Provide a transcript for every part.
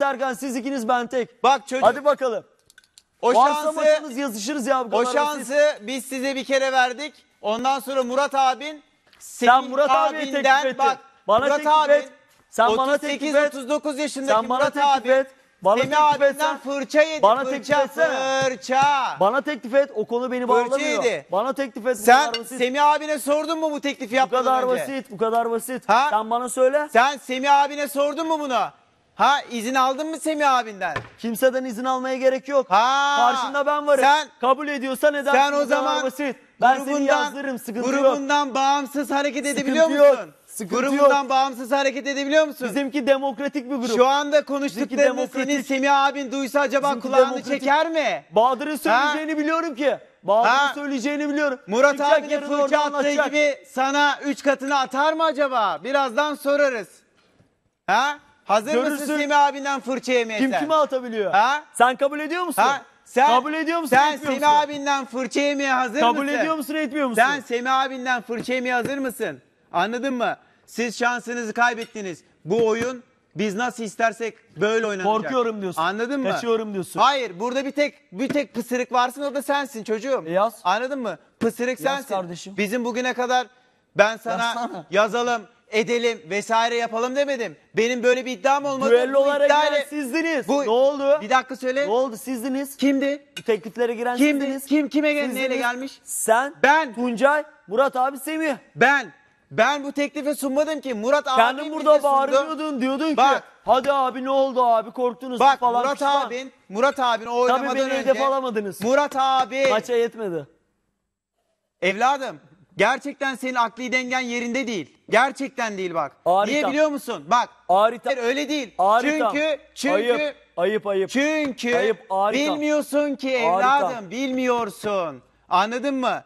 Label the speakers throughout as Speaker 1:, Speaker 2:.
Speaker 1: Serkan siz ikiniz ben tek.
Speaker 2: Bak çocuk.
Speaker 1: Hadi bakalım.
Speaker 2: O şansı,
Speaker 1: yazışırız ya.
Speaker 2: o şansı biz size bir kere verdik. Ondan sonra Murat abin
Speaker 1: sen Murat abiye teklif et.
Speaker 2: Bak
Speaker 1: Bana
Speaker 2: Murat
Speaker 1: teklif
Speaker 2: abin
Speaker 1: et. Sen bana teklif et.
Speaker 2: 38-39 yaşındaki
Speaker 1: Sen bana
Speaker 2: Murat
Speaker 1: teklif
Speaker 2: abi
Speaker 1: et. Bana
Speaker 2: Semih
Speaker 1: teklif
Speaker 2: abinden
Speaker 1: etsen.
Speaker 2: fırça yedi.
Speaker 1: Bana
Speaker 2: Fırça,
Speaker 1: teklif etsene.
Speaker 2: fırça.
Speaker 1: Bana teklif et. O konu beni bağlamıyor.
Speaker 2: yedi.
Speaker 1: Bana teklif et.
Speaker 2: Sen
Speaker 1: Bu kadar basit.
Speaker 2: Semih abine sordun mu bu teklifi
Speaker 1: Bu
Speaker 2: yapmadan
Speaker 1: kadar
Speaker 2: önce?
Speaker 1: basit. Bu kadar basit.
Speaker 2: Ha?
Speaker 1: Sen bana söyle.
Speaker 2: Sen Semih abine sordun mu bunu? Ha, izin aldın mı Semih abinden?
Speaker 1: Kimseden izin almaya gerek yok.
Speaker 2: Ha.
Speaker 1: Karşında ben varım.
Speaker 2: Sen
Speaker 1: kabul ediyorsan edersin.
Speaker 2: Sen o
Speaker 1: Bu kadar
Speaker 2: zaman
Speaker 1: basit. Ben seni yazdırırım. Sıkıntı yok.
Speaker 2: grubundan bağımsız hareket edebiliyor
Speaker 1: Sıkıntı yok.
Speaker 2: musun?
Speaker 1: Sıkıntı
Speaker 2: Grubundan
Speaker 1: yok.
Speaker 2: bağımsız hareket edebiliyor musun?
Speaker 1: Bizimki demokratik bir grup.
Speaker 2: Şu anda konuştuklarını
Speaker 1: demokratik.
Speaker 2: senin Semih abin duysa acaba
Speaker 1: Bizimki
Speaker 2: kulağını
Speaker 1: demokratik.
Speaker 2: çeker mi?
Speaker 1: Bahadır'ın söyleyeceğini biliyorum ki. Bahadır'ın söyleyeceğini biliyorum.
Speaker 2: Murat
Speaker 1: Çıkacak
Speaker 2: abinin
Speaker 1: yarın
Speaker 2: fırça
Speaker 1: orada
Speaker 2: attığı
Speaker 1: anlatacak.
Speaker 2: gibi sana 3 katını atar mı acaba? Birazdan sorarız. Ha? Hazır mısın
Speaker 1: Görürsün.
Speaker 2: Semih abinden fırça yemeye
Speaker 1: Kim
Speaker 2: sen?
Speaker 1: kime atabiliyor?
Speaker 2: Ha?
Speaker 1: Sen kabul ediyor musun?
Speaker 2: Ha? Sen,
Speaker 1: kabul ediyor musun?
Speaker 2: Sen
Speaker 1: etmiyor
Speaker 2: Semih
Speaker 1: musun?
Speaker 2: abinden fırça yemeye hazır
Speaker 1: Kabul
Speaker 2: mısın?
Speaker 1: ediyor musun etmiyor musun?
Speaker 2: Sen Semih abinden fırça yemeye hazır mısın? Anladın mı? Siz şansınızı kaybettiniz. Bu oyun biz nasıl istersek böyle oynanacak.
Speaker 1: Korkuyorum diyorsun.
Speaker 2: Anladın mı?
Speaker 1: Kaçıyorum diyorsun.
Speaker 2: Hayır, burada bir tek pısırık varsın, o da sensin çocuğum.
Speaker 1: Yaz.
Speaker 2: Anladın mı? Pısırık
Speaker 1: Yaz
Speaker 2: sensin.
Speaker 1: kardeşim.
Speaker 2: Bizim bugüne kadar ben sana
Speaker 1: Yazsana.
Speaker 2: yazalım, edelim vesaire yapalım demedim. Benim böyle bir iddiam olmadı.
Speaker 1: Düellolara
Speaker 2: Bu iddiayla-
Speaker 1: giren sizdiniz.
Speaker 2: Bu-
Speaker 1: Ne oldu?
Speaker 2: Bir dakika söyle.
Speaker 1: Ne oldu sizdiniz?
Speaker 2: Kimdi?
Speaker 1: Bu tekliflere giren
Speaker 2: Kimdi?
Speaker 1: sizdiniz.
Speaker 2: Kime
Speaker 1: Sizdiniz.
Speaker 2: neyle gelmiş?
Speaker 1: Sen,
Speaker 2: Ben.
Speaker 1: Tuncay, Murat abi Semih.
Speaker 2: Ben bu teklifi sunmadım ki. Murat abi
Speaker 1: Kendin
Speaker 2: bize
Speaker 1: burada
Speaker 2: sundu.
Speaker 1: bağırıyordun diyordun ki
Speaker 2: Bak.
Speaker 1: hadi abi ne oldu abi korktunuz mu
Speaker 2: Bak
Speaker 1: falan
Speaker 2: Murat abin o oynamadan
Speaker 1: Tabii beni
Speaker 2: önce.
Speaker 1: hedef alamadınız.
Speaker 2: Murat abi.
Speaker 1: Maça yetmedi.
Speaker 2: Evladım, gerçekten senin akli dengen yerinde değil. Gerçekten değil bak.
Speaker 1: Harika.
Speaker 2: Niye biliyor musun? Bak.
Speaker 1: Harika.
Speaker 2: Hayır, öyle değil.
Speaker 1: Harika.
Speaker 2: Çünkü
Speaker 1: Ayıp.
Speaker 2: çünkü
Speaker 1: Ayıp, harika.
Speaker 2: bilmiyorsun ki evladım,
Speaker 1: Harika.
Speaker 2: bilmiyorsun. Anladın mı?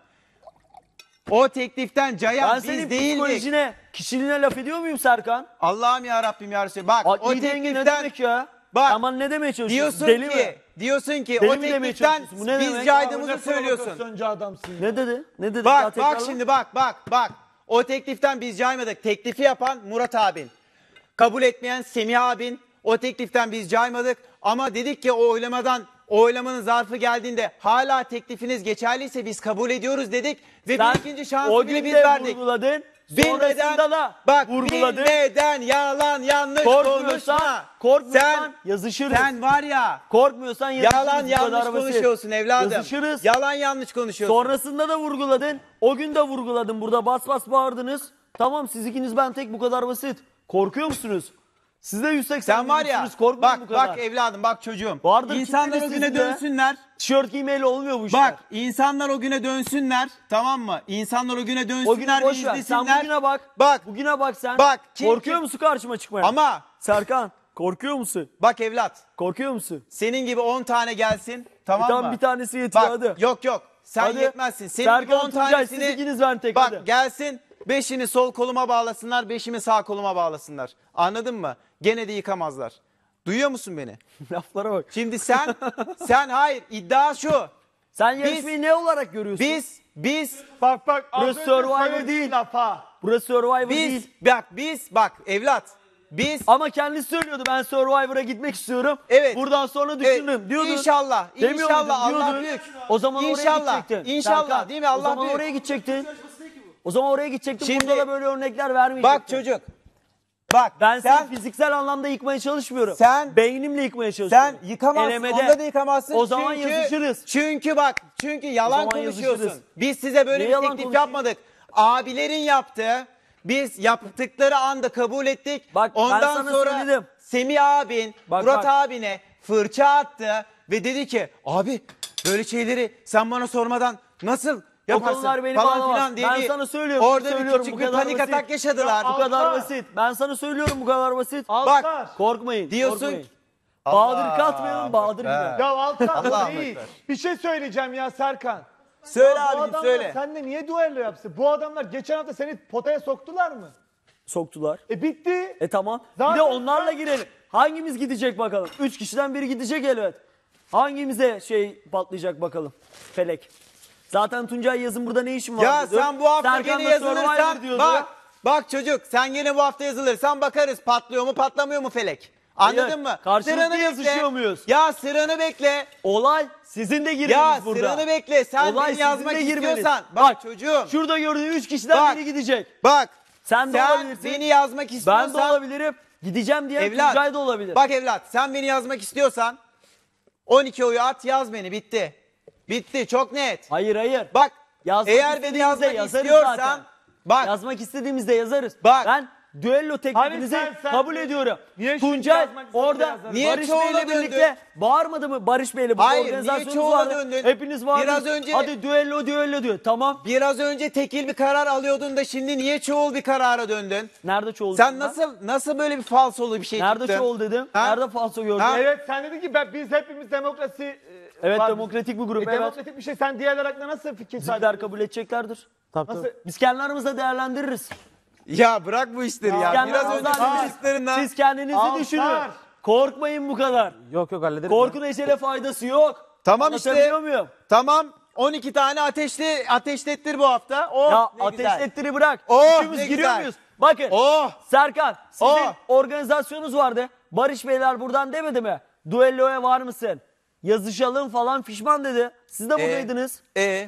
Speaker 2: O tekliften cayan
Speaker 1: Ben
Speaker 2: biz
Speaker 1: senin
Speaker 2: değildik.
Speaker 1: psikolojine, kişiliğine laf ediyor muyum Serkan?
Speaker 2: Allah'ım ya Rabbim ya Resulallah. Bak o
Speaker 1: Akli denge ne
Speaker 2: tekliften
Speaker 1: demek ya?
Speaker 2: Bak.
Speaker 1: Aman ne demeye çalışıyorsun?
Speaker 2: diyorsun
Speaker 1: Deli
Speaker 2: ki,
Speaker 1: mi?
Speaker 2: diyorsun ki
Speaker 1: Deli
Speaker 2: o
Speaker 1: mi demeye
Speaker 2: tekliften
Speaker 1: çalışıyorsun? Bu ne
Speaker 2: biz
Speaker 1: demek?
Speaker 2: caydığımızı söylüyorsun.
Speaker 3: Adamsın ya.
Speaker 1: Ne dedi? Ne dedi?
Speaker 2: Bak
Speaker 1: Daha tekrarla.
Speaker 2: bak şimdi bak. O tekliften biz caymadık. Teklifi yapan Murat abin. Kabul etmeyen Semih abin. O tekliften biz caymadık. Ama dedik ki o oylamanın zarfı geldiğinde hala teklifiniz geçerliyse biz kabul ediyoruz dedik. Ve
Speaker 1: Sen
Speaker 2: bir ikinci şansı
Speaker 1: o
Speaker 2: bile
Speaker 1: gün
Speaker 2: biz
Speaker 1: de
Speaker 2: verdik.
Speaker 1: vurguladın.
Speaker 2: Bilmeden,
Speaker 1: Sonrasında da
Speaker 2: bak
Speaker 1: vurguladın.
Speaker 2: bilmeden yalan yanlış konuşma.
Speaker 1: Korkmuyorsan yazışırız.
Speaker 2: Sen var ya
Speaker 1: Korkmuyorsan yazışırız.
Speaker 2: yalan
Speaker 1: Bu
Speaker 2: yanlış
Speaker 1: kadar basit.
Speaker 2: konuşuyorsun evladım.
Speaker 1: Yazışırız.
Speaker 2: Yalan yanlış konuşuyorsun.
Speaker 1: Sonrasında da vurguladın. O gün de vurguladın. Burada bas bas bağırdınız. Tamam siz ikiniz ben tek bu kadar basit. Korkuyor musunuz? Siz de 180
Speaker 2: Sen var ya
Speaker 1: korkmayın bu kadar.
Speaker 2: bak evladım bak çocuğum.
Speaker 1: Vardır
Speaker 2: İnsanlar o
Speaker 1: kitleniz
Speaker 2: güne
Speaker 1: sizde.
Speaker 2: dönsünler.
Speaker 1: Tişört giymeyle olmuyor bu işler.
Speaker 2: Bak insanlar o güne dönsünler, tamam mı? İnsanlar o güne
Speaker 1: o günü
Speaker 2: dönsünler ve
Speaker 1: boş ver. Sen
Speaker 2: izlesinler.
Speaker 1: bugüne bak.
Speaker 2: Bak.
Speaker 1: Bugüne bak sen.
Speaker 2: Bak, çünkü-
Speaker 1: Korkuyor musun karşıma çıkmaya?
Speaker 2: Ama
Speaker 1: Serkan korkuyor musun?
Speaker 2: bak evlat,
Speaker 1: Korkuyor musun?
Speaker 2: senin gibi 10 tane gelsin, tamam
Speaker 1: Tamam
Speaker 2: mı?
Speaker 1: bir tanesi yetiyor
Speaker 2: Bak
Speaker 1: hadi.
Speaker 2: yok sen
Speaker 1: Hadi.
Speaker 2: yetmezsin. Senin gibi
Speaker 1: Serkan
Speaker 2: 10
Speaker 1: Tuncay siz
Speaker 2: tanesini
Speaker 1: ikiniz ben tek
Speaker 2: bak
Speaker 1: hadi.
Speaker 2: gelsin 5'ini sol koluma bağlasınlar, 5'imi sağ koluma bağlasınlar. Anladın mı? Gene de yıkamazlar. Duyuyor musun beni?
Speaker 1: Laflara bak.
Speaker 2: Şimdi sen hayır, iddia şu.
Speaker 1: Sen yarışmayı ne olarak görüyorsun?
Speaker 2: Biz
Speaker 3: Bak az
Speaker 1: Burası
Speaker 3: önce
Speaker 1: Survivor
Speaker 3: söylediğin
Speaker 1: değil.
Speaker 3: laf ha.
Speaker 1: Burası Survivor değil.
Speaker 2: bak evlat. Biz
Speaker 1: Ama kendisi söylüyordu ben Survivor'a gitmek istiyorum.
Speaker 2: Evet.
Speaker 1: Buradan sonra düşünürüm diyordun.
Speaker 2: İnşallah.
Speaker 1: Demiyor
Speaker 2: İnşallah
Speaker 1: muydun?
Speaker 2: Allah
Speaker 1: Diyordun.
Speaker 2: büyük.
Speaker 1: O zaman oraya
Speaker 2: İnşallah,
Speaker 1: gidecektin.
Speaker 2: İnşallah
Speaker 1: Serkan,
Speaker 2: değil mi? Allah
Speaker 1: O zaman
Speaker 2: büyük.
Speaker 1: oraya gidecektin. O zaman oraya gidecektin.
Speaker 2: Şimdi-
Speaker 1: Burada da böyle örnekler vermeyecektin.
Speaker 2: bak çocuk. Bak
Speaker 1: Ben
Speaker 2: sen
Speaker 1: seni fiziksel anlamda yıkmaya çalışmıyorum.
Speaker 2: Sen-
Speaker 1: beynimle yıkmaya çalışıyorum.
Speaker 2: sen yıkamazsın.
Speaker 1: Elemede.
Speaker 2: Onda da yıkamazsın.
Speaker 1: O zaman
Speaker 2: Çünkü-
Speaker 1: yazışırız.
Speaker 2: Çünkü yalan
Speaker 1: zaman
Speaker 2: konuşuyorsun.
Speaker 1: yazışırız.
Speaker 2: Biz size böyle
Speaker 1: Niye
Speaker 2: bir
Speaker 1: yalan
Speaker 2: teklif
Speaker 1: konuşayım?
Speaker 2: yapmadık. Abilerin yaptığı, biz yaptıkları anda kabul ettik.
Speaker 1: Bak, ben
Speaker 2: ondan
Speaker 1: sana
Speaker 2: sonra
Speaker 1: söyledim.
Speaker 2: Semih abin
Speaker 1: Bak,
Speaker 2: Murat
Speaker 1: bak.
Speaker 2: abine fırça attı ve dedi ki abi böyle şeyleri sen bana sormadan nasıl yaparsın
Speaker 1: konular beni
Speaker 2: falan
Speaker 1: bağlamaz.
Speaker 2: filan diye
Speaker 1: Ben
Speaker 2: bir-
Speaker 1: sana söylüyorum,
Speaker 2: Orada
Speaker 1: söylüyorum,
Speaker 2: bir küçük
Speaker 1: bu
Speaker 2: bir
Speaker 1: kadar
Speaker 2: panik
Speaker 1: basit.
Speaker 2: atak yaşadılar.
Speaker 1: Bu kadar
Speaker 3: Altar.
Speaker 1: basit. Ben sana söylüyorum bu kadar basit.
Speaker 3: Altar.
Speaker 1: Korkmayın.
Speaker 2: Diyorsun
Speaker 1: korkmayın.
Speaker 2: ki-
Speaker 1: Bahadır katmayalım Bahadır gibi.
Speaker 3: Ya Altar
Speaker 2: Allah'a
Speaker 3: değil.
Speaker 2: emanet.
Speaker 3: Bir şey söyleyeceğim ya Serkan.
Speaker 2: Söyle
Speaker 3: Ya bu
Speaker 2: abicim
Speaker 3: adamlar
Speaker 2: söyle.
Speaker 3: seninle niye duello yapsın? Bu adamlar geçen hafta seni potaya soktular mı?
Speaker 1: Soktular.
Speaker 3: Bitti.
Speaker 1: Tamam.
Speaker 3: Zaten
Speaker 1: Bir de onlarla girelim. Hangimiz gidecek bakalım? 3 kişiden biri gidecek elbet. Hangimize patlayacak bakalım? Felek. Zaten Tuncay yazın burada ne işin var?
Speaker 2: Ya
Speaker 1: diyordu.
Speaker 2: sen bu hafta
Speaker 1: Serkan
Speaker 2: gene
Speaker 1: da Survivor
Speaker 2: yazılırsan
Speaker 1: diyordu.
Speaker 2: bak çocuk sen gene bu hafta yazılırsan bakarız patlıyor mu patlamıyor mu Felek. Anladın
Speaker 1: Hayır,
Speaker 2: mı?
Speaker 1: karşılıklı
Speaker 2: Sıranı bekle.
Speaker 1: yazışıyor muyuz?
Speaker 2: Ya sıranı bekle.
Speaker 1: Olay sizin de girmeniz
Speaker 2: Ya
Speaker 1: burada.
Speaker 2: sıranı bekle. Sen
Speaker 1: Olay
Speaker 2: beni
Speaker 1: sizin
Speaker 2: yazmak
Speaker 1: de girmeniz.
Speaker 2: istiyorsan. Bak çocuğum.
Speaker 1: Şurada gördüğün 3 kişiden
Speaker 2: Bak.
Speaker 1: biri gidecek.
Speaker 2: Bak.
Speaker 1: Sen de olabilirsin.
Speaker 2: beni yazmak
Speaker 1: Ben
Speaker 2: istiyorsan.
Speaker 1: de olabilirim. Gideceğim diyen
Speaker 2: Evlat.
Speaker 1: Tuncay da olabilir.
Speaker 2: Bak evlat sen beni yazmak istiyorsan 12 oyu at yaz beni bitti. Bitti çok net.
Speaker 1: Hayır hayır.
Speaker 2: Bak
Speaker 1: Yazmak
Speaker 2: eğer beni
Speaker 1: istediğimizde
Speaker 2: yazmak
Speaker 1: yazarız
Speaker 2: istiyorsan
Speaker 1: zaten.
Speaker 2: bak
Speaker 1: Yazmak istediğimizde yazarız.
Speaker 2: Bak.
Speaker 1: Ben düello teklifinizi
Speaker 3: sen-
Speaker 1: kabul ediyorum.
Speaker 3: Niye şimdi
Speaker 1: Tuncay
Speaker 3: yazmak istediğinde
Speaker 1: orada
Speaker 3: yazarız?
Speaker 2: Niye
Speaker 1: Barış
Speaker 2: çoğula
Speaker 1: Bey'le
Speaker 2: döndün?
Speaker 1: birlikte bağırmadı mı? Barış Bey'le bu
Speaker 2: Hayır, niye
Speaker 1: organizasyonunuz
Speaker 2: çoğula
Speaker 1: vardı.
Speaker 2: döndün?
Speaker 1: Hepiniz vardınız.
Speaker 2: Biraz önce-
Speaker 1: Hadi düello diyor. Tamam.
Speaker 2: biraz önce tekil bir karar alıyordun da şimdi niye çoğul bir karara döndün?
Speaker 1: Nerede çoğul
Speaker 2: Sen
Speaker 1: dedim ben?
Speaker 2: nasıl böyle bir falsolu bir şey
Speaker 1: Nerede
Speaker 2: çıktı?
Speaker 1: çoğul dedim?
Speaker 2: Ha?
Speaker 1: Nerede falso gördün?
Speaker 2: Ha?
Speaker 3: Evet sen dedin ki biz hepimiz demokrasi
Speaker 1: Evet
Speaker 3: var.
Speaker 1: demokratik bir grup. Evet.
Speaker 3: Demokratik bir şey. Sen diğerler hakkında nasıl fikir sahibi?
Speaker 1: Bizimkiler kabul edeceklerdir.
Speaker 3: Nasıl?
Speaker 1: Biz kendi aramızda değerlendiririz.
Speaker 2: Ya bırak bu işleri ya.
Speaker 1: Kendi
Speaker 2: Biraz
Speaker 1: aramızda
Speaker 2: önce
Speaker 1: hallederiz.
Speaker 2: konuştuklarından.
Speaker 1: Siz kendinizi
Speaker 3: Al,
Speaker 1: düşünün.
Speaker 3: sar.
Speaker 1: Korkmayın bu kadar.
Speaker 4: Yok hallederiz.
Speaker 1: Korku neşele faydası yok.
Speaker 2: Tamam işte.
Speaker 1: Anlatabiliyor muyum?
Speaker 2: Tamam 12 tane ateşlettir bu hafta. Oh
Speaker 1: Ya
Speaker 2: ne güzel.
Speaker 1: ateşlettir'i bırak.
Speaker 2: Oh,
Speaker 1: Üçümüz
Speaker 2: ne
Speaker 1: giriyor
Speaker 2: güzel.
Speaker 1: muyuz? Bakın.
Speaker 2: Oh.
Speaker 1: Serkan sizin
Speaker 2: Oh.
Speaker 1: organizasyonunuz vardı. Barış Beyler buradan demedi mi? Duelloya var mısın? Yazışalım falan fişman dedi. Siz de buradaydınız.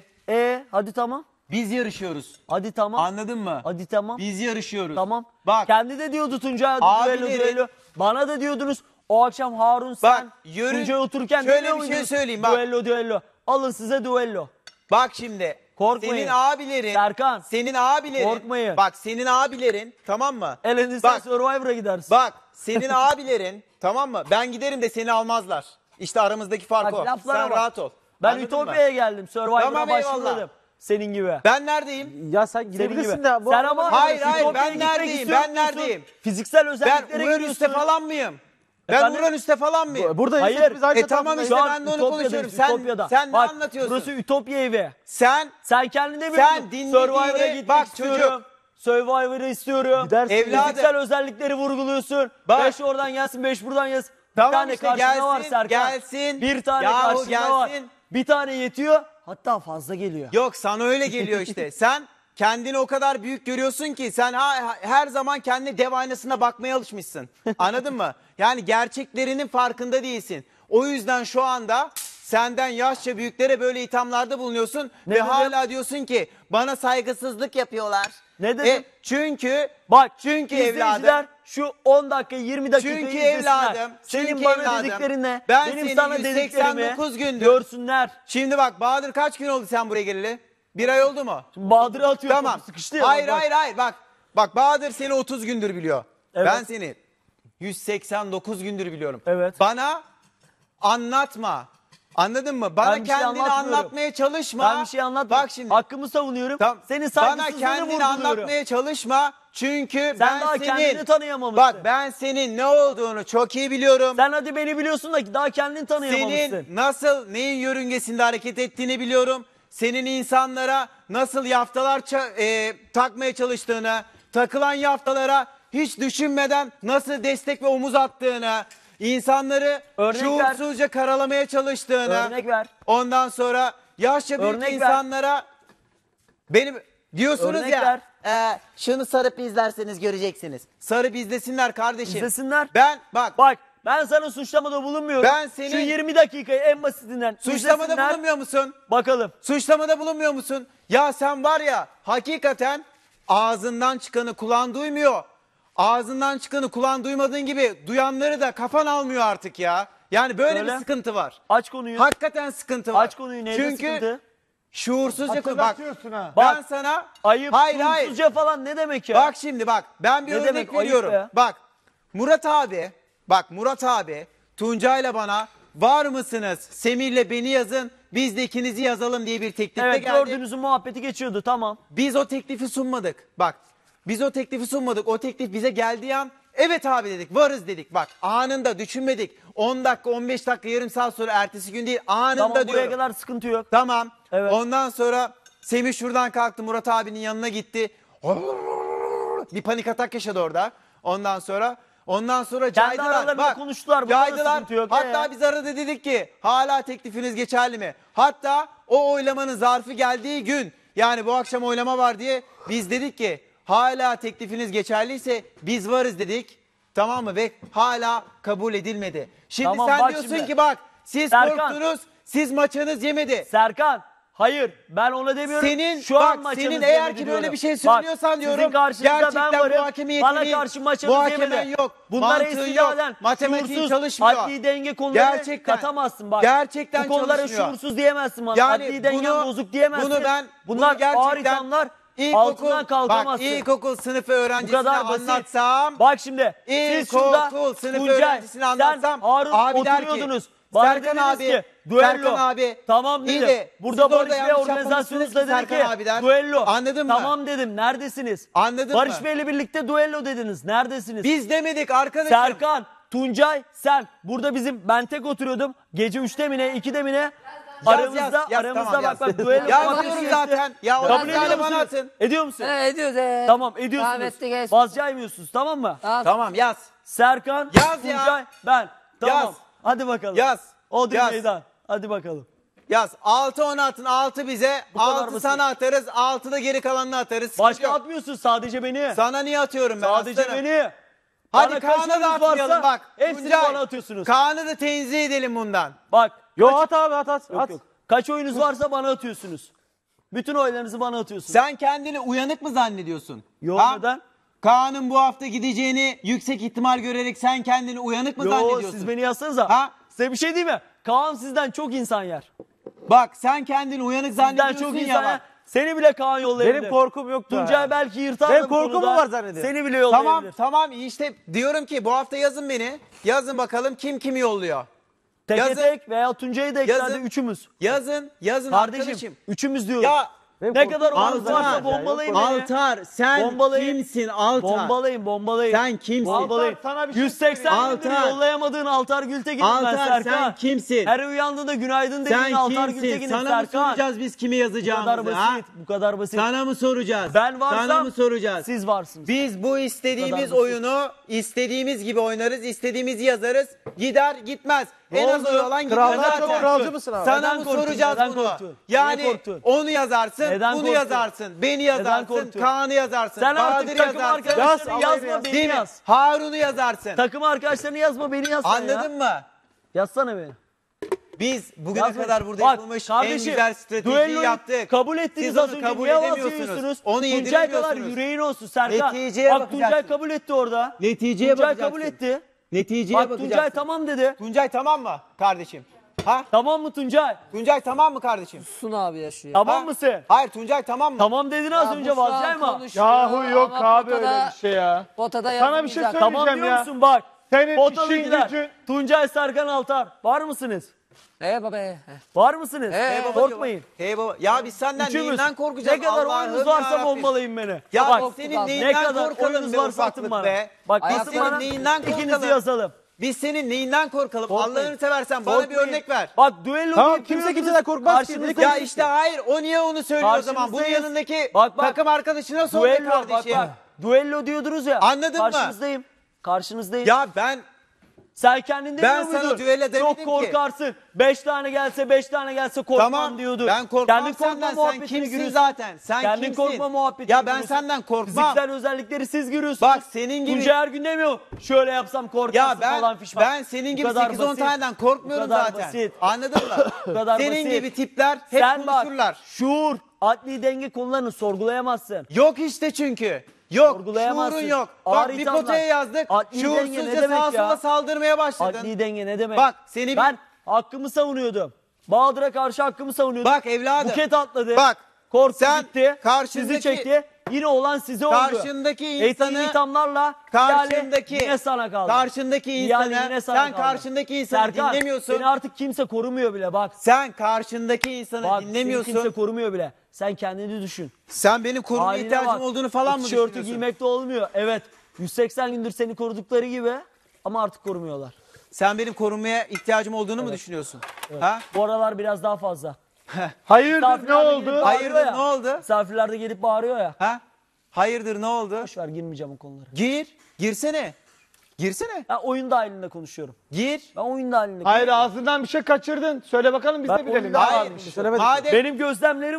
Speaker 1: Hadi tamam.
Speaker 2: Biz yarışıyoruz.
Speaker 1: Hadi tamam.
Speaker 2: Anladın mı?
Speaker 1: Hadi tamam.
Speaker 2: Biz yarışıyoruz.
Speaker 1: Tamam.
Speaker 2: Bak.
Speaker 1: Kendi de diyordu Tuncay
Speaker 2: Abileri-
Speaker 1: düello. Bana da diyordunuz o akşam Harun sen
Speaker 2: yürü-
Speaker 1: Tuncay otururken
Speaker 2: Şöyle
Speaker 1: demiyor
Speaker 2: bir şey
Speaker 1: muydunuz?
Speaker 2: söyleyeyim, bak.
Speaker 1: Düello. Alın size düello.
Speaker 2: Bak şimdi.
Speaker 1: Korkmayın.
Speaker 2: Senin abilerin.
Speaker 1: Serkan.
Speaker 2: Senin abilerin.
Speaker 1: Korkmayın.
Speaker 2: Bak senin abilerin tamam mı?
Speaker 1: Elinizden
Speaker 2: Bak.
Speaker 1: Survivor'a gidersin.
Speaker 2: Bak senin abilerin tamam mı? Ben giderim de seni almazlar. İşte aramızdaki fark
Speaker 1: Bak,
Speaker 2: o.
Speaker 1: laflara
Speaker 2: Sen
Speaker 1: bak.
Speaker 2: rahat ol.
Speaker 1: Ben
Speaker 2: Anladın mı?
Speaker 1: Ütopya'ya geldim. Survivor'a
Speaker 2: Tamam, eyvallah.
Speaker 1: başladım. Senin gibi.
Speaker 2: Ben neredeyim?
Speaker 4: Ya sen
Speaker 1: Senin
Speaker 4: gidebilirsin
Speaker 1: gibi.
Speaker 4: de. Bu
Speaker 1: Sen ama
Speaker 2: Hayır, hayır,
Speaker 1: Ütopya'ya
Speaker 2: ben
Speaker 1: gitmek
Speaker 2: neredeyim?
Speaker 1: istiyor
Speaker 2: Ben
Speaker 1: musun?
Speaker 2: neredeyim?
Speaker 1: Fiziksel
Speaker 2: Ben
Speaker 1: özelliklere
Speaker 2: Uranüs'te
Speaker 1: gidiyorsun.
Speaker 2: falan mıyım? Ben
Speaker 1: Efendim?
Speaker 2: Uranüs'te falan mıyım?
Speaker 4: Buradayız.
Speaker 1: Hayır.
Speaker 4: Biz aynı
Speaker 2: Tamam
Speaker 4: tarafındayız.
Speaker 2: işte
Speaker 1: Şu an
Speaker 2: ben de onu
Speaker 1: Ütopya'dayız,
Speaker 2: konuşuyorum.
Speaker 1: Ütopya'da.
Speaker 2: Sen ne
Speaker 1: Bak,
Speaker 2: anlatıyorsun?
Speaker 1: Burası Ütopya evi.
Speaker 2: Sen
Speaker 1: Sen kendin demiyor
Speaker 2: Sen
Speaker 1: musun?
Speaker 2: dinlediğini-
Speaker 1: Survivor'a gitmek
Speaker 2: bak
Speaker 1: istiyorum.
Speaker 2: çocuk.
Speaker 1: Survivor'ı istiyorum.
Speaker 4: Gidersin.
Speaker 2: Evladım.
Speaker 1: Fiziksel özellikleri vurguluyorsun.
Speaker 2: Bak.
Speaker 1: 5 oradan gelsin 5 buradan gelsin.
Speaker 2: Tamam
Speaker 1: bir tane
Speaker 2: işte,
Speaker 1: karşında
Speaker 2: gelsin,
Speaker 1: var Serkan.
Speaker 2: gelsin.
Speaker 1: Bir tane
Speaker 2: Yahu
Speaker 1: karşında var.
Speaker 2: gelsin.
Speaker 1: Bir tane yetiyor. Hatta fazla geliyor.
Speaker 2: yok sana öyle geliyor işte. Sen kendini o kadar büyük görüyorsun ki sen her zaman kendine dev aynasına bakmaya alışmışsın. Anladın mı? Yani gerçeklerinin farkında değilsin. O yüzden şu anda senden yaşça büyüklere böyle ithamlarda bulunuyorsun
Speaker 1: Ne
Speaker 2: ve
Speaker 1: dedim?
Speaker 2: hala diyorsun ki bana saygısızlık yapıyorlar.
Speaker 1: Ne dedim?
Speaker 2: Çünkü
Speaker 1: Bak
Speaker 2: çünkü
Speaker 1: izleyiciler
Speaker 2: evladım
Speaker 1: şu 10 dakika 20 dakika
Speaker 2: Çünkü
Speaker 1: izlesinler.
Speaker 2: evladım,
Speaker 1: Senin
Speaker 2: çünkü
Speaker 1: bana
Speaker 2: evladım,
Speaker 1: dediklerinle
Speaker 2: ben
Speaker 1: benim
Speaker 2: seni
Speaker 1: sana
Speaker 2: 189
Speaker 1: dediklerimi
Speaker 2: gündür-
Speaker 1: görsünler.
Speaker 2: şimdi bak Bahadır kaç gün oldu sen buraya geleli? Bir ay oldu mu?
Speaker 1: Şimdi Bahadır'ı atıyor.
Speaker 2: Tamam.
Speaker 1: topu sıkıştı ya.
Speaker 2: Hayır
Speaker 1: bak.
Speaker 2: hayır bak. Bak Bahadır seni 30 gündür biliyor.
Speaker 1: Evet.
Speaker 2: Ben seni 189 gündür biliyorum.
Speaker 1: Evet.
Speaker 2: Bana anlatma. Anladın mı? Bana
Speaker 1: Ben bir şey
Speaker 2: kendini
Speaker 1: anlatmıyorum.
Speaker 2: anlatmaya çalışma.
Speaker 1: Ben bir şey anlatmıyorum.
Speaker 2: Bak şimdi.
Speaker 1: Hakkımı savunuyorum. Senin
Speaker 2: Bana
Speaker 1: saygısızlığını
Speaker 2: kendini
Speaker 1: vurguluyorum.
Speaker 2: anlatmaya çalışma. Çünkü ben
Speaker 1: daha
Speaker 2: senin...
Speaker 1: kendini tanıyamamışsın.
Speaker 2: Bak ben senin ne olduğunu çok iyi biliyorum.
Speaker 1: Sen hadi beni biliyorsun da daha kendini tanıyamamışsın.
Speaker 2: Senin nasıl neyin yörüngesinde hareket ettiğini biliyorum. Senin insanlara nasıl yaftalar takmaya çalıştığını, takılan yaftalara hiç düşünmeden nasıl destek ve omuz attığını, insanları
Speaker 1: Örnek
Speaker 2: şuursuzca karalamaya çalıştığını,
Speaker 1: Örnek ver.
Speaker 2: ondan sonra yaşça büyük
Speaker 1: Örnek ver.
Speaker 2: insanlara benim diyorsunuz
Speaker 1: Örnek
Speaker 2: ya.
Speaker 1: ver.
Speaker 2: Şunu sarıp izlerseniz göreceksiniz. Sarıp izlesinler kardeşim.
Speaker 1: İzlesinler.
Speaker 2: Ben
Speaker 1: Bak ben sana suçlamada bulunmuyorum.
Speaker 2: Ben senin-
Speaker 1: Şu 20 dakikayı en basitinden
Speaker 2: suçlamada
Speaker 1: izlesinler.
Speaker 2: bulunmuyor musun?
Speaker 1: Bakalım.
Speaker 2: Suçlamada bulunmuyor musun? Ya sen var ya hakikaten ağzından çıkanı kulağın duymuyor. Ağzından çıkanı kulağın duymadığın gibi duyanları da kafan almıyor artık ya. Yani böyle
Speaker 1: Öyle.
Speaker 2: bir sıkıntı var.
Speaker 1: Aç konuyu.
Speaker 2: Hakikaten sıkıntı var.
Speaker 1: Aç konuyu. Neyde
Speaker 2: Çünkü
Speaker 1: sıkıntı?
Speaker 2: şuursuzca bak
Speaker 3: Hatırlatıyorsun ha.
Speaker 1: Bak.
Speaker 2: ben sana
Speaker 1: Ayıp,
Speaker 2: hayır
Speaker 1: suçsuzca falan ne demek ya?
Speaker 2: Bak şimdi bak ben bir
Speaker 1: Ne
Speaker 2: örnek
Speaker 1: demek ayıp
Speaker 2: veriyorum.
Speaker 1: be?
Speaker 2: Bak Murat abi Tuncay'la bana var mısınız Semih'le beni yazın biz de ikinizi yazalım diye bir teklifte
Speaker 1: evet
Speaker 2: geldi.
Speaker 1: gördüğünüzün muhabbeti geçiyordu tamam.
Speaker 2: Biz o teklifi sunmadık. Bak biz o teklifi sunmadık. O teklif bize geldiği an evet abi dedik varız dedik. Bak anında düşünmedik. 10 dakika 15 dakika yarım saat sonra ertesi gün değil anında
Speaker 1: Tamam buraya
Speaker 2: diyorum.
Speaker 1: kadar sıkıntı yok.
Speaker 2: Tamam.
Speaker 1: Evet.
Speaker 2: Ondan sonra Semih şuradan kalktı Murat abinin yanına gitti. Bir panik atak yaşadı orada. Ondan sonra caydılar.
Speaker 1: aralarında konuştular, bunda da
Speaker 2: Caydılar.
Speaker 1: sıkıntı yok.
Speaker 2: Hatta biz arada dedik ki hala teklifiniz geçerli mi? Hatta o oylamanın zarfı geldiği gün yani bu akşam oylama var diye biz dedik ki hala teklifiniz geçerliyse biz varız dedik. Tamam mı? Ve hala kabul edilmedi. Şimdi
Speaker 1: Tamam,
Speaker 2: sen
Speaker 1: bak
Speaker 2: diyorsun
Speaker 1: şimdi.
Speaker 2: ki bak siz
Speaker 1: Serkan.
Speaker 2: korktunuz, siz maçınız yemedi.
Speaker 1: Serkan, hayır ben ona demiyorum.
Speaker 2: Senin
Speaker 1: Şu an
Speaker 2: bak
Speaker 1: maçınız
Speaker 2: senin eğer
Speaker 1: yemedi
Speaker 2: ki böyle
Speaker 1: diyorum.
Speaker 2: bir şey
Speaker 1: Bak,
Speaker 2: söylüyorsan
Speaker 1: sizin
Speaker 2: diyorum.
Speaker 1: karşınızda ben
Speaker 2: Gerçekten
Speaker 1: varım.
Speaker 2: bu hakemi
Speaker 1: Bana
Speaker 2: yeteneğin,
Speaker 1: karşı maçınız
Speaker 2: bu hakemen
Speaker 1: yemedi.
Speaker 2: yok.
Speaker 1: Bunlara
Speaker 2: Mantığı
Speaker 1: istinaden
Speaker 2: yok. Matematiğin
Speaker 1: şuursuz,
Speaker 2: çalışmıyor.
Speaker 1: adli denge konularını
Speaker 2: Gerçekten-
Speaker 1: katamazsın bak.
Speaker 2: gerçekten
Speaker 1: Bu konulara
Speaker 2: çalışmıyor.
Speaker 1: şuursuz diyemezsin bana.
Speaker 2: Yani
Speaker 1: adli dengen
Speaker 2: bunu-
Speaker 1: bozuk diyemezsin.
Speaker 2: bunu ben-
Speaker 1: Bunlar
Speaker 2: bunu gerçekten
Speaker 1: ağır ithamlar.
Speaker 2: İlkokul,
Speaker 1: Altından kalkamazsın.
Speaker 2: bak ilkokul sınıfı
Speaker 1: Bu
Speaker 2: öğrencisine
Speaker 1: kadar basit.
Speaker 2: anlatsam.
Speaker 1: Bak şimdi siz şurada
Speaker 2: İlkokul sınıfı
Speaker 1: Tuncay,
Speaker 2: öğrencisine anlatsam.
Speaker 1: sen Harun
Speaker 2: abi der ki,
Speaker 1: oturuyordunuz. Bana
Speaker 2: Serkan
Speaker 1: dediniz
Speaker 2: abi,
Speaker 1: ki duello.
Speaker 2: Serkan abi.
Speaker 1: Tamam
Speaker 2: iyi
Speaker 1: dedim.
Speaker 2: de
Speaker 1: Burada
Speaker 2: siz orada
Speaker 1: Barış Bey
Speaker 2: yanlış
Speaker 1: organizasyonunuzda
Speaker 2: yapmamışsınız
Speaker 1: dedi
Speaker 2: ki
Speaker 1: ki
Speaker 2: Serkan abi der.
Speaker 1: duello.
Speaker 2: Anladın mı?
Speaker 1: Tamam dedim. Neredesiniz?
Speaker 2: Anladın
Speaker 1: Barış
Speaker 2: mı?
Speaker 1: Bey'le birlikte duello dediniz. Neredesiniz?
Speaker 2: Biz demedik arkadaşım.
Speaker 1: Serkan, Tuncay, sen. Burada ben tek oturuyordum. Gece 3'te mi ne 2'de mi ne? Aramızda
Speaker 2: tamam,
Speaker 1: bak bak duello.
Speaker 2: Yazıyorum zaten. Ya o
Speaker 1: Kabul
Speaker 2: yazıları
Speaker 1: ediyor
Speaker 2: bana
Speaker 1: musunuz?
Speaker 2: atın.
Speaker 1: Ediyor musun?
Speaker 4: Ediyoruz.
Speaker 1: Tamam ediyorsunuz.
Speaker 4: Rahmetli genç.
Speaker 1: Vazgeçmiyorsunuz tamam mı?
Speaker 2: Tamam yaz.
Speaker 1: Serkan,
Speaker 2: Yaz ya.
Speaker 1: Tuncay, ben. Tamam.
Speaker 2: Yaz.
Speaker 1: Hadi bakalım.
Speaker 2: Yaz.
Speaker 1: Odri
Speaker 2: Yaz.
Speaker 1: meydan. Hadi bakalım.
Speaker 2: Yaz. 6 10 atın. 6 bize.
Speaker 1: kadar
Speaker 2: 6
Speaker 1: basit.
Speaker 2: sana atarız. 6 da geri kalanını atarız. Sıkıntı
Speaker 1: Başka
Speaker 2: yok.
Speaker 1: atmıyorsun sadece beni.
Speaker 2: Sana niye atıyorum ben
Speaker 1: Sadece
Speaker 2: aslanım?
Speaker 1: beni.
Speaker 2: Hadi
Speaker 1: Bana
Speaker 2: Kaan'a
Speaker 1: kaç
Speaker 2: da
Speaker 1: oyunuz
Speaker 2: atmayalım
Speaker 1: varsa
Speaker 2: bak.
Speaker 1: hepsini
Speaker 2: Tuncay,
Speaker 1: bana atıyorsunuz.
Speaker 2: Kaan'ı da tenzih edelim bundan.
Speaker 1: Bak.
Speaker 3: Yo at abi at.
Speaker 1: Yok, yok. Kaç oyunuz varsa bana atıyorsunuz. Bütün oylarınızı bana atıyorsunuz.
Speaker 2: Sen kendini uyanık mı zannediyorsun?
Speaker 1: Yo,
Speaker 2: Ha?
Speaker 1: neden?
Speaker 2: Kaan'ın bu hafta gideceğini yüksek ihtimal görerek sen kendini uyanık mı
Speaker 1: Yo
Speaker 2: zannediyorsun?
Speaker 1: siz beni yazsanıza.
Speaker 2: Ha?
Speaker 1: Size bir şey diyeyim mi? Kaan sizden çok insan yer.
Speaker 2: Bak sen kendini uyanık
Speaker 1: Sizden
Speaker 2: zannediyorsun
Speaker 1: çok
Speaker 2: ya
Speaker 1: insan yer.
Speaker 2: bak.
Speaker 1: Seni bile Kaan yollayabilir.
Speaker 3: Benim korkum yoktu.
Speaker 1: Tuncay belki yırtar
Speaker 3: Benim
Speaker 1: da bu
Speaker 3: korkum mu
Speaker 1: konuda.
Speaker 3: var zannediyor?
Speaker 1: Seni bile yollayabilir.
Speaker 2: Tamam işte diyorum ki bu hafta yazın beni. Yazın bakalım kim kimi yolluyor.
Speaker 1: Teke
Speaker 2: yazın.
Speaker 1: tek veya Tuncay'ı da eklerde
Speaker 2: Yazın.
Speaker 1: üçümüz.
Speaker 2: Yazın
Speaker 1: Kardeşim
Speaker 2: arkadaşım.
Speaker 1: üçümüz diyoruz.
Speaker 2: Ya
Speaker 3: Benim
Speaker 1: Ne
Speaker 3: korkum-
Speaker 1: kadar oyunuz
Speaker 2: Altar.
Speaker 1: varsa bombalayın beni.
Speaker 2: Altar sen
Speaker 1: Bombalayın.
Speaker 2: kimsin Altar?
Speaker 1: Bombalayın.
Speaker 2: Sen kimsin?
Speaker 1: Bombalayın.
Speaker 3: Altar, sana bir şey
Speaker 1: 180 gündür
Speaker 2: Altar.
Speaker 1: yollayamadığın Altar Gültekin'im ben
Speaker 2: Altar
Speaker 1: Serkan.
Speaker 2: sen kimsin?
Speaker 1: Her uyandığında günaydın dediğin
Speaker 2: Sen
Speaker 1: Altar
Speaker 2: kimsin?
Speaker 1: Gültekin'im
Speaker 2: Sana mı
Speaker 1: Serkan.
Speaker 2: soracağız biz kimi
Speaker 1: Bu kadar
Speaker 2: yazacağımızı ha?
Speaker 1: basit. Bu kadar basit.
Speaker 2: Sana mı soracağız?
Speaker 1: Ben varsam
Speaker 2: Sana mı soracağız?
Speaker 1: siz varsınız.
Speaker 2: Biz bu
Speaker 1: Bu
Speaker 2: istediğimiz
Speaker 1: kadar basit.
Speaker 2: oyunu istediğimiz gibi oynarız, istediğimizi yazarız. Gider gitmez.
Speaker 1: Ne
Speaker 2: En az
Speaker 1: oldu?
Speaker 2: oy olan gidiyor
Speaker 3: Kraldan
Speaker 2: zaten.
Speaker 3: çok kralcı mısın abi?
Speaker 2: Sana
Speaker 1: Neden
Speaker 2: mı
Speaker 1: korktun?
Speaker 2: soracağız
Speaker 1: Neden
Speaker 2: bunu?
Speaker 1: korktun? Niye
Speaker 2: Yani
Speaker 1: korktun?
Speaker 2: onu yazarsın,
Speaker 1: Neden
Speaker 2: bunu
Speaker 1: korktun?
Speaker 2: yazarsın, beni yazarsın,
Speaker 1: korktun?
Speaker 2: Kaan'ı yazarsın,
Speaker 1: Sen artık
Speaker 2: Bahadır'ı
Speaker 1: takım
Speaker 2: yazarsın.
Speaker 1: arkadaşlarını
Speaker 3: Yaz,
Speaker 1: yazma
Speaker 3: Allah'ını
Speaker 1: beni
Speaker 2: Değil mi?
Speaker 1: yaz.
Speaker 2: Harun'u yazarsın.
Speaker 1: Takım arkadaşlarını yazma beni yazsana
Speaker 2: Anladın
Speaker 1: ya.
Speaker 2: mı?
Speaker 1: Yazsana beni.
Speaker 2: Biz bugüne
Speaker 1: Yazma.
Speaker 2: kadar burada
Speaker 1: Bak,
Speaker 2: yapılmış en
Speaker 1: kardeşim,
Speaker 2: güzel stratejiyi
Speaker 1: düelloyu
Speaker 2: yaptık.
Speaker 1: kabul ettiniz
Speaker 2: Siz
Speaker 1: az
Speaker 2: onu
Speaker 1: önce.
Speaker 2: kabul
Speaker 1: Niye
Speaker 2: edemiyorsunuz.
Speaker 1: vazgeçiyorsunuz?
Speaker 2: Onu
Speaker 1: Tuncay kadar
Speaker 2: yediremiyorsunuz.
Speaker 1: yüreğin olsun Serkan.
Speaker 2: Neticeye
Speaker 1: Bak Tuncay
Speaker 2: bakacaksın.
Speaker 1: kabul etti orada.
Speaker 2: Neticeye
Speaker 1: Tuncay
Speaker 2: bakacaksın.
Speaker 1: kabul etti.
Speaker 2: Neticeye
Speaker 1: Bak
Speaker 2: bakacaksın.
Speaker 1: Tuncay tamam dedi.
Speaker 2: Tuncay tamam mı kardeşim? Ha?
Speaker 1: Tamam mı Tuncay?
Speaker 2: Tuncay tamam mı kardeşim?
Speaker 4: Sun abi yaşıyor.
Speaker 1: Tamam
Speaker 2: Ha?
Speaker 1: mısın?
Speaker 2: Hayır Tuncay tamam mı?
Speaker 1: Tamam dedin az önce vazgeçme.
Speaker 3: Yahu yok
Speaker 4: ama
Speaker 3: abi
Speaker 4: potada-
Speaker 3: öyle bir şey ya.
Speaker 4: Potada
Speaker 3: Sana bir şey
Speaker 4: yazmayacak.
Speaker 3: söyleyeyim.
Speaker 1: Tamam diyor
Speaker 3: ya.
Speaker 1: musun bak.
Speaker 3: Senin işin
Speaker 1: Potalıgiler.
Speaker 3: gücün.
Speaker 1: Tuncay Serkan Altar. Var mısınız?
Speaker 4: Baba be.
Speaker 1: Var mısınız?
Speaker 4: Hey
Speaker 1: Korkmayın.
Speaker 2: Hey baba. Ya biz senden
Speaker 1: Üçümüz.
Speaker 2: neyinden korkacağız?
Speaker 1: Ne kadar
Speaker 2: Allah'ım
Speaker 1: oyunuz varsa
Speaker 2: yarabbim.
Speaker 1: bombalayın beni.
Speaker 2: Ya
Speaker 1: bak,
Speaker 2: biz senin
Speaker 4: Ne
Speaker 2: neyinden
Speaker 1: ne kadar
Speaker 2: korkalım
Speaker 1: oyunuz
Speaker 2: be
Speaker 1: varsa atın
Speaker 2: ufaklık
Speaker 1: bana.
Speaker 2: be.
Speaker 1: Bak
Speaker 2: Biz
Speaker 1: atın
Speaker 2: senin
Speaker 1: bana.
Speaker 2: neyinden
Speaker 1: İkinizi
Speaker 2: korkalım?
Speaker 1: yazalım.
Speaker 2: Biz senin neyinden korkalım?
Speaker 1: Korkmayın.
Speaker 2: Allah'ını seversen bana
Speaker 1: Korkmayın.
Speaker 2: bir örnek ver.
Speaker 1: Bak düello
Speaker 3: Tamam,
Speaker 1: deyip
Speaker 3: kimse
Speaker 1: duruyorsunuz.
Speaker 3: kimseden korkmaz ki.
Speaker 1: Karşınızda-
Speaker 2: Ya işte hayır o niye onu söylüyor o zaman? Bunun
Speaker 1: Karşınızdayız.
Speaker 2: yanındaki
Speaker 1: Bak, bak.
Speaker 2: takım arkadaşına sor be
Speaker 1: Düello bak
Speaker 2: kardeşim.
Speaker 1: bak. Düello diyordunuz ya.
Speaker 2: Anladın mı?
Speaker 1: Karşınızdayım. Karşınızdayım.
Speaker 2: Ya ben
Speaker 1: Sen kendin demiyor
Speaker 2: Ben sana
Speaker 1: muydun?
Speaker 2: düello demedim
Speaker 1: Çok
Speaker 2: ki.
Speaker 1: korkarsın. 5 tane gelse korkmam
Speaker 2: tamam
Speaker 1: diyordun.
Speaker 2: ben korkmam
Speaker 1: Kendin korkma
Speaker 2: senden sen
Speaker 1: muhabbetini
Speaker 2: kimsin
Speaker 1: görüyorsun.
Speaker 2: zaten? Sen
Speaker 1: Kendin
Speaker 2: kimsin?
Speaker 1: korkma muhabbetini
Speaker 2: Ya ben
Speaker 1: görüyorsun.
Speaker 2: senden korkmam.
Speaker 1: Fiziksel özellikleri siz görüyorsunuz.
Speaker 2: Bak senin gibi
Speaker 1: Tuncay her gün demiyor. Şöyle yapsam korkarsın
Speaker 2: ya
Speaker 1: falan fişman.
Speaker 2: ben senin
Speaker 1: Bu
Speaker 2: gibi
Speaker 1: kadar
Speaker 2: 8-10
Speaker 1: basit.
Speaker 2: taneden
Speaker 1: Bu
Speaker 2: korkmuyorum
Speaker 1: kadar
Speaker 2: zaten.
Speaker 1: basit.
Speaker 2: Anladın mı?
Speaker 1: Bu kadar
Speaker 2: senin
Speaker 1: basit.
Speaker 2: gibi tipler hep
Speaker 1: Sen
Speaker 2: konuşurlar.
Speaker 1: bak şuur, adli denge konularını sorgulayamazsın.
Speaker 2: Yok işte çünkü. Yok.
Speaker 1: Sorgulayamazsın.
Speaker 2: Şuurun yok.
Speaker 1: Ağır
Speaker 2: Bak bir
Speaker 1: ithamlar.
Speaker 2: potaya yazdık.
Speaker 1: Adli denge ne
Speaker 2: Şuursuzca
Speaker 1: demek
Speaker 2: sağa
Speaker 1: ya?
Speaker 2: sola saldırmaya başladın.
Speaker 1: Adli denge ne demek?
Speaker 2: Bak, seni
Speaker 1: ben hakkımı savunuyordum. Bahadır'a karşı hakkımı savunuyordum.
Speaker 2: Bak evladım.
Speaker 1: Buket atladı.
Speaker 2: Bak,
Speaker 1: Korktu
Speaker 2: sen
Speaker 1: gitti.
Speaker 2: karşındaki-
Speaker 1: Sizi çekti. Yine olan size oldu.
Speaker 2: Karşındaki insanı-
Speaker 1: Ettiğin ithamlarla
Speaker 2: Karşındaki
Speaker 1: ihale yine sana kaldı.
Speaker 2: Karşındaki
Speaker 1: İhale
Speaker 2: insanı
Speaker 1: yine sana
Speaker 2: sen
Speaker 1: kaldı.
Speaker 2: karşındaki insanı
Speaker 1: Serkan,
Speaker 2: dinlemiyorsun.
Speaker 1: seni artık kimse korumuyor bile bak.
Speaker 2: Sen karşındaki insanı
Speaker 1: Bak seni
Speaker 2: dinlemiyorsun.
Speaker 1: kimse korumuyor bile. Sen kendini düşün.
Speaker 2: Sen benim koruma
Speaker 1: Haline
Speaker 2: ihtiyacım
Speaker 1: bak.
Speaker 2: olduğunu falan
Speaker 1: O
Speaker 2: mı
Speaker 1: tişörtü
Speaker 2: düşünüyorsun?
Speaker 1: giymekte olmuyor. Evet 180 gündür seni korudukları gibi ama artık korumuyorlar.
Speaker 2: Sen benim korunmaya ihtiyacım olduğunu mu düşünüyorsun? Ha?
Speaker 1: Bu aralar biraz daha fazla.
Speaker 3: Hayırdır ne
Speaker 1: Misafirler de gelip
Speaker 3: oldu?
Speaker 1: bağırıyor
Speaker 2: Hayırdır,
Speaker 1: ya.
Speaker 2: ne oldu?
Speaker 1: Misafirler de gelip bağırıyor ya.
Speaker 2: Ha? Hayırdır ne oldu?
Speaker 1: Boş ver girmeyeceğim o konulara.
Speaker 2: Girsene. Girsene.
Speaker 1: Ben oyun dahilinde konuşuyorum.
Speaker 2: Gir.
Speaker 1: Ben oyun dahilinde
Speaker 3: Hayır
Speaker 1: konuşuyorum.
Speaker 3: ağzından bir şey kaçırdın. Söyle bakalım biz
Speaker 1: Ben
Speaker 3: de bilelim.
Speaker 1: oyunda-
Speaker 3: Ne
Speaker 2: Hayır.
Speaker 3: varmış? Söylemedik.
Speaker 2: Madem
Speaker 1: Benim gözlemlerim var.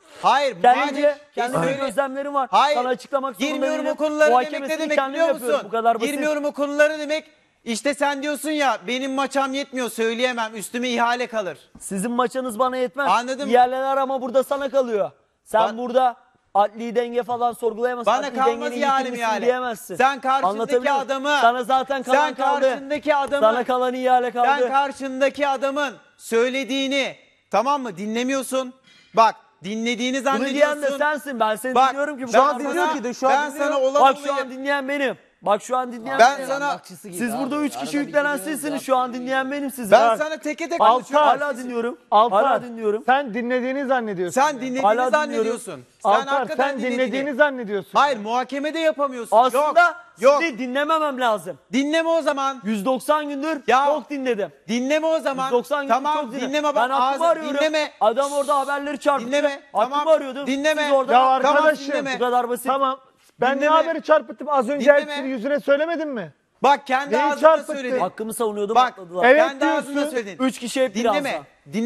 Speaker 2: Hayır.
Speaker 1: Kendi gözlemlerim var.
Speaker 2: Hayır.
Speaker 1: Sana açıklamak zorunda
Speaker 2: Girmiyorum
Speaker 1: değilim.
Speaker 2: o konulara demek ne
Speaker 1: Muhakemesini
Speaker 2: demek
Speaker 1: kendim
Speaker 2: biliyor
Speaker 1: yapıyorum.
Speaker 2: musun?
Speaker 1: Bu kadar basit.
Speaker 2: Girmiyorum o konulara demek. İşte sen diyorsun ya benim maçam yetmiyor söyleyemem üstüme ihale kalır.
Speaker 1: Sizin maçınız bana yetmez.
Speaker 2: Anladım.
Speaker 1: Diğerler ama burada sana kalıyor. Sen burada adli denge falan sorgulayamazsın.
Speaker 2: Bana
Speaker 1: Adli
Speaker 2: kalmaz
Speaker 1: dengeni
Speaker 2: ihale mi
Speaker 1: yitirmişsin
Speaker 2: ihale?
Speaker 1: diyemezsin.
Speaker 2: Sen karşındaki
Speaker 1: Anlatabiliyor muyum?
Speaker 2: adamı.
Speaker 1: Sana zaten kalan
Speaker 2: Sen
Speaker 1: kaldı.
Speaker 2: karşındaki adamı.
Speaker 1: Sana kalan ihale kaldı.
Speaker 2: Sen karşındaki adamın söylediğini tamam mı dinlemiyorsun. Bak dinlediğini
Speaker 1: Bunu
Speaker 2: zannediyorsun.
Speaker 1: diyen de sensin. Ben seni
Speaker 2: Bak,
Speaker 1: dinliyorum ki. Bu
Speaker 2: şu
Speaker 1: kadar
Speaker 2: an
Speaker 1: basit.
Speaker 2: dinliyor ki, şu an
Speaker 1: Ben
Speaker 2: dinliyor.
Speaker 1: sana
Speaker 2: olan
Speaker 1: Bak şu
Speaker 2: olayı-
Speaker 1: an dinleyen benim. Bak şu an dinleyen
Speaker 2: Ben
Speaker 1: benim.
Speaker 2: sana
Speaker 1: Siz burada 3 kişi yüklenen sizsiniz. Şu an dinleyen benim sizi.
Speaker 2: ben sana teke tek konuşuyorum.
Speaker 1: Hala dinliyorum.
Speaker 3: Altar,
Speaker 1: Hala dinliyorum.
Speaker 3: sen dinlediğini zannediyorsun.
Speaker 2: Sen dinlediğini
Speaker 1: Hala
Speaker 2: zannediyorsun. Sen
Speaker 3: Altar,
Speaker 2: hakikaten
Speaker 3: sen dinlediğini zannediyorsun.
Speaker 2: Hayır muhakemede yapamıyorsun.
Speaker 1: Aslında
Speaker 2: yok.
Speaker 1: sizi dinlememem lazım.
Speaker 2: Dinleme o zaman.
Speaker 1: 190 gündür
Speaker 2: Ya,
Speaker 1: çok dinledim.
Speaker 2: Dinleme o zaman.
Speaker 1: 190 gündür
Speaker 2: Tamam
Speaker 1: çok dinledim.
Speaker 2: dinleme
Speaker 1: Ben
Speaker 2: bak
Speaker 1: hakkımı arıyorum.
Speaker 2: dinleme.
Speaker 1: Adam orada haberleri çarpıtıyor.
Speaker 2: Dinleme,
Speaker 1: Hakkımı
Speaker 2: tamam.
Speaker 1: arıyordum.
Speaker 2: Dinleme.
Speaker 1: Siz orada
Speaker 3: Ya
Speaker 1: tamam,
Speaker 3: arkadaşım,
Speaker 2: dinleme.
Speaker 1: bu kadar basit.
Speaker 3: Tamam. Ben
Speaker 2: Dinleme.
Speaker 3: ne haberi çarpıttım az önce
Speaker 2: Dinleme.
Speaker 3: hepsini yüzüne söylemedim mi?
Speaker 2: Bak kendi
Speaker 3: Neyi
Speaker 2: ağzına
Speaker 3: çarpıttın?
Speaker 2: söyledin.
Speaker 1: Hakkımı savunuyordum
Speaker 2: Bak
Speaker 1: atladılar.
Speaker 3: evet
Speaker 2: kendi
Speaker 3: diyorsun.
Speaker 2: ağzına söyledin.
Speaker 1: 3 kişi hep
Speaker 2: Dinleme.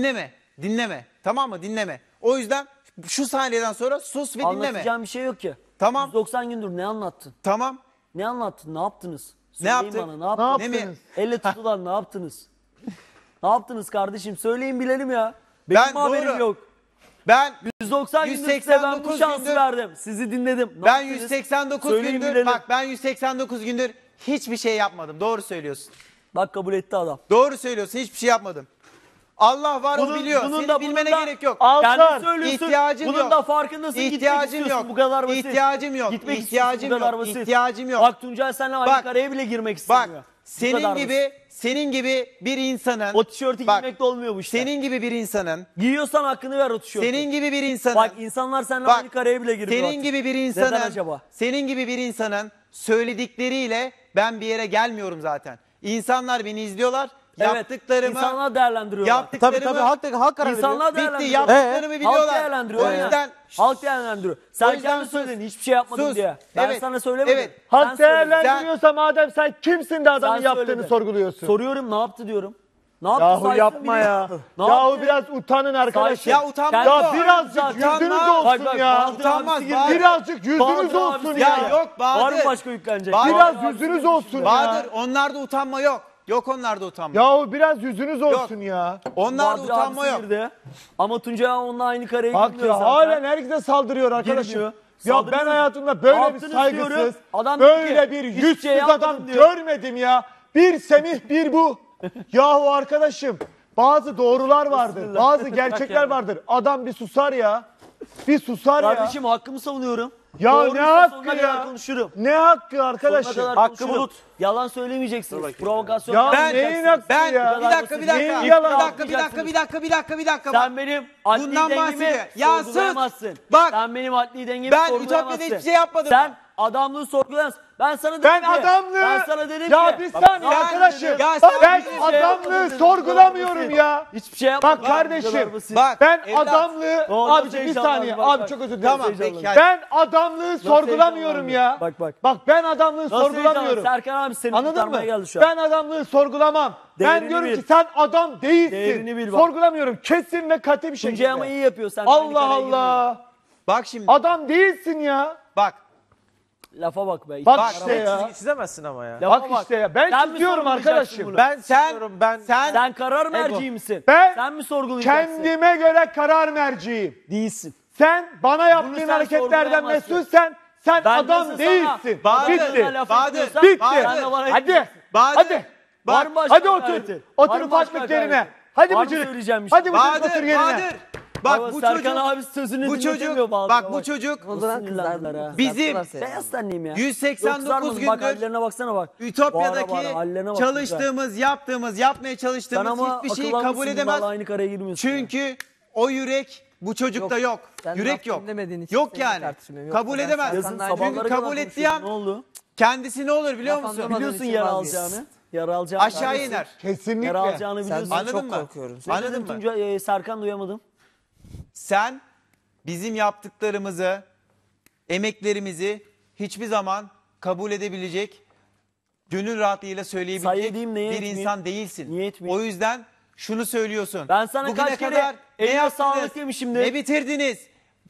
Speaker 2: Dinleme. Tamam mı? Dinleme. O yüzden şu saniyeden sonra sus ve dinleme.
Speaker 1: Anlatacağım bir şey yok ki.
Speaker 2: Tamam.
Speaker 1: 190 gündür ne anlattın?
Speaker 2: Tamam.
Speaker 1: Ne anlattın? Ne yaptınız?
Speaker 2: Ne
Speaker 1: Söyleyin
Speaker 2: yaptık?
Speaker 1: bana, ne
Speaker 3: Ne
Speaker 1: yaptınız?
Speaker 2: Ne
Speaker 3: yaptınız?
Speaker 2: mi?
Speaker 1: Elle tutulan ne yaptınız? Ne yaptınız kardeşim? Söyleyin bilelim ya. Benim
Speaker 2: Ben
Speaker 1: haberim
Speaker 2: doğru.
Speaker 1: yok.
Speaker 2: Ben
Speaker 1: 190 gündür size ben bu
Speaker 2: 189
Speaker 1: şansı
Speaker 2: gündür-
Speaker 1: verdim. Sizi dinledim. Ne
Speaker 2: ben
Speaker 1: yaptınız?
Speaker 2: 189
Speaker 1: Söyleyin
Speaker 2: gündür
Speaker 1: bilelim.
Speaker 2: bak ben 189 gündür hiçbir şey yapmadım. Doğru söylüyorsun.
Speaker 1: Bak kabul etti adam.
Speaker 2: Doğru söylüyorsun. Hiçbir şey yapmadım. Allah var o biliyor. Senin bilmene gerek yok.
Speaker 3: Altar,
Speaker 1: Kendin söylüyorsun.
Speaker 2: ihtiyacım
Speaker 1: Bunun
Speaker 2: yok.
Speaker 1: da farkındasın.
Speaker 2: İhtiyacım
Speaker 1: Gitmek istiyorsun.
Speaker 2: yok.
Speaker 1: Bu kadar basit.
Speaker 2: İhtiyacım yok.
Speaker 1: Gitmek
Speaker 2: İhtiyacım
Speaker 1: istiyorsun. Bu kadar
Speaker 2: yok.
Speaker 1: basit.
Speaker 2: İhtiyacım yok.
Speaker 1: Bak Tuncay seninle aynı
Speaker 2: Bak,
Speaker 1: kareye bile girmek
Speaker 2: Bak
Speaker 1: istemiyor. Bu kadar
Speaker 2: senin gibi bir insanın
Speaker 1: O tişörtü
Speaker 2: bak,
Speaker 1: giymek de olmuyor bu işte.
Speaker 2: senin gibi bir insanın
Speaker 1: Giyiyorsan hakkını ver o tişörtü.
Speaker 2: senin gibi bir insanın
Speaker 1: Bak insanlar seninle
Speaker 2: Bak,
Speaker 1: aynı kareye bile girmiyor
Speaker 2: senin
Speaker 1: artık.
Speaker 2: gibi bir
Speaker 1: Neden
Speaker 2: insanın
Speaker 1: acaba?
Speaker 2: senin gibi bir insanın söyledikleriyle ben bir yere gelmiyorum zaten. İnsanlar beni izliyorlar.
Speaker 1: Evet,
Speaker 2: Yaptıklarımı
Speaker 1: insanlar değerlendiriyorlar.
Speaker 2: yaptıklarımı
Speaker 4: halk karar
Speaker 1: İnsanlar
Speaker 2: bitti.
Speaker 1: değerlendiriyor.
Speaker 2: Yaptıklarımı
Speaker 1: Halk
Speaker 2: biliyorlar.
Speaker 1: değerlendiriyor.
Speaker 2: O
Speaker 1: aynen.
Speaker 2: yüzden
Speaker 1: Halk değerlendiriyor. Sen
Speaker 2: O yüzden
Speaker 1: kendin
Speaker 2: sus.
Speaker 1: söyledin hiçbir şey yapmadım
Speaker 2: Sus.
Speaker 1: diye. Ben
Speaker 2: Evet.
Speaker 1: sana söylemedim.
Speaker 2: Evet.
Speaker 1: Sen
Speaker 3: Halk
Speaker 1: söyledin.
Speaker 3: değerlendiriyorsa madem sen kimsin de adamın
Speaker 1: Sen
Speaker 3: yaptığını
Speaker 1: söyledin.
Speaker 3: sorguluyorsun.
Speaker 1: Soruyorum ne yaptı diyorum. Ne yaptı
Speaker 3: Yahu
Speaker 1: saysın
Speaker 3: yapma
Speaker 1: biri.
Speaker 3: ya.
Speaker 1: Ne
Speaker 3: Yahu
Speaker 1: yaptı?
Speaker 3: biraz utanın arkadaşım.
Speaker 2: Ya utanma.
Speaker 1: Ya
Speaker 3: Ya birazcık
Speaker 1: Zaten-
Speaker 3: yüzünüz
Speaker 2: Utanma.
Speaker 3: olsun
Speaker 1: Bak,
Speaker 3: ya.
Speaker 1: Bahadır
Speaker 2: Utanmaz,
Speaker 1: abisi
Speaker 2: Bahadır.
Speaker 1: girdi.
Speaker 3: Birazcık yüzünüz
Speaker 1: Bahadır
Speaker 3: olsun
Speaker 1: abisi
Speaker 3: ya.
Speaker 2: Ya yok Bahadır.
Speaker 1: Var mı başka yüklenecek?
Speaker 2: Bahadır.
Speaker 3: Biraz
Speaker 1: Bahadır
Speaker 3: yüzünüz
Speaker 1: abisi
Speaker 3: olsun ya.
Speaker 2: Bahadır onlarda utanma yok. Yok onlarda utanma.
Speaker 3: Yahu biraz yüzünüz olsun ya.
Speaker 2: Onlarda
Speaker 1: Bahadır
Speaker 2: utanma
Speaker 1: abisi
Speaker 2: yok.
Speaker 1: girdi. Ama Tuncay onunla aynı kareye
Speaker 3: Bak
Speaker 1: girmiyor
Speaker 3: ya
Speaker 1: zaten.
Speaker 3: halen herkese saldırıyor arkadaşım.
Speaker 1: Girmiyor.
Speaker 3: Ya
Speaker 1: Saldırıyor.
Speaker 3: ben hayatımda
Speaker 1: Ne
Speaker 3: böyle bir
Speaker 1: yaptınız
Speaker 3: saygısız,
Speaker 1: diyorum. Adam diyor
Speaker 3: böyle
Speaker 1: ki,
Speaker 3: bir
Speaker 1: hiçbir
Speaker 3: yüzsüz
Speaker 1: şey yapmadım
Speaker 3: adam
Speaker 1: diyor.
Speaker 3: görmedim ya. Bir Semih bir bu. Yahu arkadaşım bazı doğrular vardır,
Speaker 1: Bismillah.
Speaker 3: bazı gerçekler
Speaker 1: yani.
Speaker 3: vardır. Adam bir susar ya. Bir susar ya.
Speaker 1: Kardeşim hakkımı savunuyorum.
Speaker 3: Ya
Speaker 1: Doğruysa
Speaker 3: ne hakkı
Speaker 1: sonuna
Speaker 3: ya?
Speaker 1: kadar konuşurum.
Speaker 3: Ne hakkı
Speaker 1: Sonuna
Speaker 3: arkadaşım?
Speaker 1: kadar
Speaker 4: Hakkı
Speaker 1: konuşurum.
Speaker 4: bulut.
Speaker 1: Yalan söylemeyeceksiniz. Provokasyon
Speaker 3: Ya
Speaker 1: yapmayacaksınız.
Speaker 3: neyin hakkı
Speaker 2: Ben
Speaker 3: ya?
Speaker 2: bir dakika bir dakika.
Speaker 3: Neyin
Speaker 2: Bir
Speaker 3: yalan?
Speaker 2: dakika.
Speaker 1: Sen benim adli
Speaker 2: Bundan
Speaker 1: dengemi
Speaker 2: bahsediyor. Ya sus.
Speaker 1: sorgulayamazsın.
Speaker 2: Bak.
Speaker 1: Sen benim adli dengemi
Speaker 2: Ben
Speaker 1: sorgulayamazsın.
Speaker 2: Ütopya'da hiçbir şey yapmadım.
Speaker 1: Sen adamlığı sorgulayamazsın. Ben sana dedim
Speaker 3: Ben
Speaker 1: ki.
Speaker 3: adamlığı...
Speaker 1: Ben sana dedim
Speaker 3: ya
Speaker 1: ki.
Speaker 3: bir
Speaker 1: Bak,
Speaker 3: saniye
Speaker 1: ne
Speaker 3: arkadaşım.
Speaker 1: yaptın
Speaker 2: Ya
Speaker 1: dedim.
Speaker 2: sen
Speaker 3: Ben
Speaker 2: hiçbir
Speaker 1: şey yapmadın
Speaker 3: adamlığı
Speaker 1: dedim.
Speaker 3: sorgulamıyorum ya.
Speaker 1: Hiçbir şey yapmadım.
Speaker 3: Bak kardeşim.
Speaker 2: Bak.
Speaker 3: Ben
Speaker 2: evlat.
Speaker 3: adamlığı...
Speaker 1: Doğru,
Speaker 3: Abicim bir
Speaker 1: heyecanlandım.
Speaker 3: saniye.
Speaker 1: Bak,
Speaker 3: Abi
Speaker 1: bak.
Speaker 3: çok özür dilerim.
Speaker 2: Tamam
Speaker 1: Heyecanlandım.
Speaker 2: peki. Hadi.
Speaker 3: Ben adamlığı sorgulamıyorum ya.
Speaker 1: Bak, bak.
Speaker 3: Bak ben adamlığı
Speaker 1: Nasıl
Speaker 3: sorgulamıyorum.
Speaker 1: heyecanlandın? Serkan abi seni
Speaker 3: Anladın mı?
Speaker 1: kurtarmaya geldi şu an.
Speaker 3: Ben adamlığı sorgulamam. Ben
Speaker 1: Değerini
Speaker 3: diyorum
Speaker 1: bil.
Speaker 3: ki sen adam değilsin.
Speaker 1: Değerini bil bak.
Speaker 3: Sorgulamıyorum. Kesin ve katı bir
Speaker 1: Tuncay
Speaker 3: şekilde.
Speaker 1: ama iyi yapıyor. Sen de aynı
Speaker 3: Allah
Speaker 1: kareye girmiyorsun.
Speaker 3: Allah.
Speaker 2: Bak şimdi.
Speaker 3: Adam değilsin ya.
Speaker 2: Bak.
Speaker 1: Lafa bak be.
Speaker 3: Bak
Speaker 2: Bak,
Speaker 3: işte ya.
Speaker 4: Çizemezsin ama ya.
Speaker 1: Lafa
Speaker 3: Bak işte ya. Ben
Speaker 1: Sen mi
Speaker 3: çiziyorum
Speaker 1: sorgulayacaksın
Speaker 3: arkadaşım.
Speaker 1: bunu?
Speaker 4: Ben
Speaker 2: Sen-
Speaker 4: çiziyorum ben.
Speaker 1: Sen karar merci misin?
Speaker 3: Ben
Speaker 1: Sen mi sorgulayacaksın?
Speaker 3: kendime göre karar merciyim.
Speaker 1: Değilsin.
Speaker 3: Sen bana yaptığın
Speaker 1: sen
Speaker 3: hareketlerden
Speaker 1: sorgulayamazsın.
Speaker 3: mesulsen sen
Speaker 1: Ben
Speaker 3: adam
Speaker 1: nasıl
Speaker 3: değilsin.
Speaker 1: sana
Speaker 2: Bahadır,
Speaker 3: Bitti.
Speaker 1: laf
Speaker 2: Bahadır,
Speaker 1: etmiyorsam
Speaker 3: Bitti.
Speaker 1: sen de bana
Speaker 3: Hadi.
Speaker 1: etmiyorsun.
Speaker 2: Bahadır.
Speaker 3: Hadi.
Speaker 1: Var mı başka
Speaker 3: Hadi
Speaker 1: hakaretin?
Speaker 3: otur.
Speaker 1: Var
Speaker 3: Otur
Speaker 1: mı başka
Speaker 3: ufaklık yerine.
Speaker 1: hakaretin?
Speaker 3: Hadi
Speaker 1: Var mı
Speaker 3: bıcırık.
Speaker 1: söyleyeceğim bir şey?
Speaker 3: Hadi bıcırık otur
Speaker 2: Bahadır,
Speaker 3: yerine.
Speaker 2: Bahadır. Bak
Speaker 1: Ama
Speaker 2: bu
Speaker 1: Serkan
Speaker 2: çocuk.
Speaker 1: abi sözünü
Speaker 2: Bu
Speaker 1: dinletemiyor
Speaker 2: çocuk.
Speaker 1: Bahadır'a
Speaker 2: Bak bu çocuk.
Speaker 1: Sinirlendiler ha.
Speaker 2: Bizim
Speaker 1: Beyaz tenliyim ya.
Speaker 2: 189
Speaker 1: Yok, kızarmadım. Bak
Speaker 2: gündür
Speaker 1: hallerine baksana bak.
Speaker 2: Ütopya'daki
Speaker 1: Bağıra bağıra, hallerine bak
Speaker 2: çalıştığımız, yapmaya
Speaker 1: Sen
Speaker 2: çalıştığımız
Speaker 1: ama
Speaker 2: hiçbir şeyi
Speaker 1: akıllı
Speaker 2: kabul
Speaker 1: mısın?
Speaker 2: edemez.
Speaker 1: Vallahi aynı kareye girmiyorsun.
Speaker 2: Çünkü o yürek bu çocukta yok.
Speaker 4: Sen
Speaker 2: Yürek
Speaker 4: laf
Speaker 2: yok.
Speaker 4: dinlemediğin için
Speaker 2: Yok
Speaker 4: seninle
Speaker 2: yani.
Speaker 4: tartışmıyorum.
Speaker 2: Kabul
Speaker 4: Yoksa ben
Speaker 2: edemez.
Speaker 1: Yazın
Speaker 4: Serkan'la
Speaker 1: sabahlara
Speaker 2: Çünkü
Speaker 1: kadar
Speaker 2: kabul etti
Speaker 1: konuşuyordun.
Speaker 2: ya.
Speaker 1: Ne oldu?
Speaker 2: Kendisi ne olur biliyor
Speaker 4: Laf
Speaker 2: musun?
Speaker 4: anlamadım.
Speaker 1: Biliyorsun
Speaker 4: için
Speaker 1: yara
Speaker 4: vazgeç.
Speaker 1: alacağını. Yara alacağını.
Speaker 2: Aşağı
Speaker 1: biliyorsun.
Speaker 2: iner.
Speaker 3: Kesinlikle.
Speaker 1: Yara alacağını
Speaker 4: Senden
Speaker 1: biliyorsun.
Speaker 2: Anladın
Speaker 4: çok
Speaker 2: mı?
Speaker 4: korkuyorum.
Speaker 1: Ne
Speaker 2: Anladın
Speaker 1: dedin
Speaker 2: mı?
Speaker 1: Tuncay? Serkan duyamadım.
Speaker 2: Sen bizim yaptıklarımızı, emeklerimizi hiçbir zaman kabul edebilecek, gönül rahatlığıyla
Speaker 1: Sayı
Speaker 2: söyleyebilecek
Speaker 1: edeyim, neye
Speaker 2: bir
Speaker 1: etmeyeyim?
Speaker 2: insan değilsin.
Speaker 1: Niye etmeyeyim?
Speaker 2: O yüzden şunu söylüyorsun.
Speaker 1: Ben sana
Speaker 2: Bugüne
Speaker 1: kaç kere
Speaker 2: kadar ne
Speaker 1: eline
Speaker 2: yaptınız?
Speaker 1: sağlık demişimdir.
Speaker 2: Ne bitirdiniz?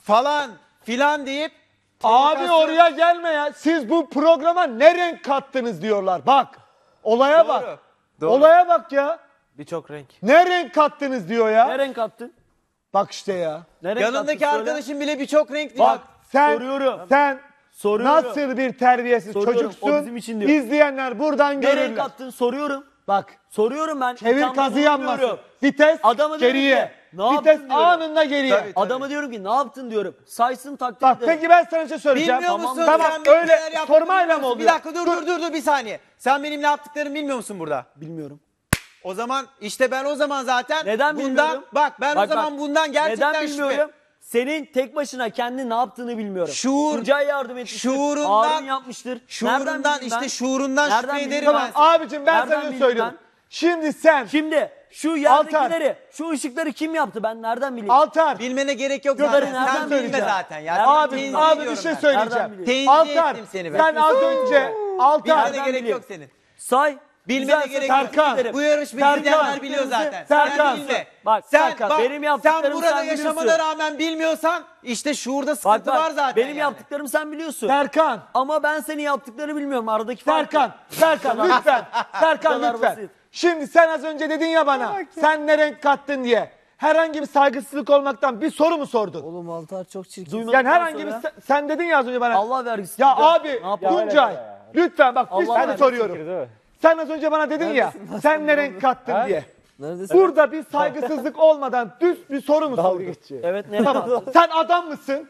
Speaker 2: falan filan deyip
Speaker 3: Abi
Speaker 2: provokasyon-
Speaker 3: oraya gelme ya. Siz bu programa ne renk kattınız diyorlar. Bak. Olaya bak.
Speaker 2: Doğru.
Speaker 3: Olaya bak ya.
Speaker 2: Birçok renk.
Speaker 3: Ne renk kattınız diyor ya.
Speaker 1: Ne renk attın?
Speaker 3: Bak işte ya.
Speaker 1: Ne renk
Speaker 2: Yanındaki
Speaker 1: attın? Söyle.
Speaker 2: arkadaşın bile birçok renk diyor.
Speaker 3: Bak sen
Speaker 1: Soruyorum. Soruyorum.
Speaker 3: nasıl bir terbiyesiz
Speaker 1: Soruyorum,
Speaker 3: çocuksun.
Speaker 1: o bizim için diyor.
Speaker 3: İzleyenler buradan
Speaker 1: Ne renk
Speaker 3: görürler.
Speaker 1: attın? Soruyorum.
Speaker 3: Bak.
Speaker 1: Soruyorum ben.
Speaker 3: Çevir
Speaker 1: İthamda
Speaker 3: kazı yanmasın.
Speaker 1: bulunmuyorum.
Speaker 3: Vites
Speaker 1: Adamı diyorum
Speaker 3: geriye.
Speaker 1: ki, ne
Speaker 3: Vites
Speaker 1: yaptın diyorum.
Speaker 3: anında geriye.
Speaker 2: Tabii.
Speaker 1: Adama diyorum ki ne yaptın diyorum. Saysın takdir
Speaker 3: Bak
Speaker 1: ederim.
Speaker 3: peki ben sana bir şey söyleyeceğim.
Speaker 2: Bilmiyor musun?
Speaker 3: Tamam
Speaker 2: Sen benim
Speaker 3: öyle
Speaker 2: neler yaptığımı
Speaker 3: sormayla
Speaker 2: bilmiyor
Speaker 3: mı
Speaker 2: musun?
Speaker 3: oluyor?
Speaker 2: Bir dakika dur bir saniye. Sen benim ne yaptıklarımı bilmiyor musun burada?
Speaker 1: Bilmiyorum.
Speaker 2: O zaman işte ben o zaman zaten
Speaker 1: Neden
Speaker 2: bundan
Speaker 1: bilmiyorum?
Speaker 2: bak ben o zaman bundan gerçekten
Speaker 1: Neden bilmiyorum? Senin tek başına kendi ne yaptığını bilmiyorum.
Speaker 2: Şuur-
Speaker 1: Tuncay yardım etmiştir.
Speaker 2: şuurundan-
Speaker 1: Harun yapmıştır. Nereden
Speaker 2: Şuurundan
Speaker 1: bileyim
Speaker 2: işte
Speaker 1: ben?
Speaker 2: şuurundan
Speaker 1: Nereden
Speaker 2: şüphe
Speaker 1: bileyim
Speaker 2: ederim
Speaker 3: Tamam
Speaker 2: ben.
Speaker 3: abicim ben
Speaker 1: Nereden
Speaker 3: sana
Speaker 1: bileyim
Speaker 3: söylüyorum.
Speaker 1: ben?
Speaker 3: Şimdi sen
Speaker 1: Şimdi şu yerdekileri, şu ışıkları kim yaptı ben nereden bileyim?
Speaker 3: Altar.
Speaker 2: Bilmene gerek yok
Speaker 1: Gökleri
Speaker 2: zaten.
Speaker 1: nereden
Speaker 2: Sen bilme
Speaker 1: bileceğim?
Speaker 2: zaten ya.
Speaker 1: Nereden
Speaker 3: Abi,
Speaker 1: bileyim?
Speaker 3: abi bir
Speaker 2: ediyorum
Speaker 3: şey
Speaker 2: ben.
Speaker 3: söyleyeceğim.
Speaker 1: Nereden bileyim?
Speaker 2: Tenzih
Speaker 3: Altar
Speaker 2: ettim seni ben.
Speaker 3: sen az önce Altar.
Speaker 2: Bilmene
Speaker 1: Nereden
Speaker 2: gerek
Speaker 1: bileyim?
Speaker 2: yok senin.
Speaker 1: Say.
Speaker 2: Bilmene
Speaker 1: Güzel
Speaker 2: gerek
Speaker 3: Serkan,
Speaker 2: yok. Bu yarışmayı
Speaker 3: Serkan,
Speaker 2: izleyenler biliyor zaten.
Speaker 3: Serkan,
Speaker 2: Sen bilme.
Speaker 1: bak,
Speaker 2: sen,
Speaker 1: Serkan,
Speaker 2: bak,
Speaker 1: benim
Speaker 2: sen
Speaker 1: yaptıklarımı
Speaker 2: burada
Speaker 1: sen
Speaker 2: yaşamana
Speaker 1: biliyorsun.
Speaker 2: rağmen bilmiyorsan işte şuurda
Speaker 1: Bak
Speaker 2: sıkıntı
Speaker 1: bak
Speaker 2: var zaten.
Speaker 1: benim
Speaker 2: yani.
Speaker 1: yaptıklarımı sen biliyorsun.
Speaker 3: Serkan.
Speaker 1: Ama ben senin yaptıklarını bilmiyorum. Aradaki fark.
Speaker 3: Serkan. Serkan lütfen. Serkan
Speaker 1: kadar
Speaker 3: lütfen.
Speaker 1: basit.
Speaker 3: Şimdi sen az önce dedin ya bana. Sen ne renk kattın diye. Herhangi bir saygısızlık olmaktan bir soru mu sordun?
Speaker 4: Oğlum Altar çok çirkin.
Speaker 1: Duymadıktan
Speaker 3: Yani herhangi bir
Speaker 1: sonra-
Speaker 3: sen dedin ya az önce bana.
Speaker 1: Allah vergisi.
Speaker 3: Ya
Speaker 1: Tuncay,
Speaker 3: abi
Speaker 1: ne yapalım?
Speaker 3: Tuncay lütfen bak bir
Speaker 1: Allah
Speaker 3: seni
Speaker 1: vergisi
Speaker 3: soruyorum. Sen az önce bana dedin ya sen ne renk kattın diye.
Speaker 4: Neredesin?
Speaker 3: Burada bir saygısızlık olmadan düz bir soru mu sordun?
Speaker 1: Evet ne
Speaker 3: Tamam. Sen adam mısın?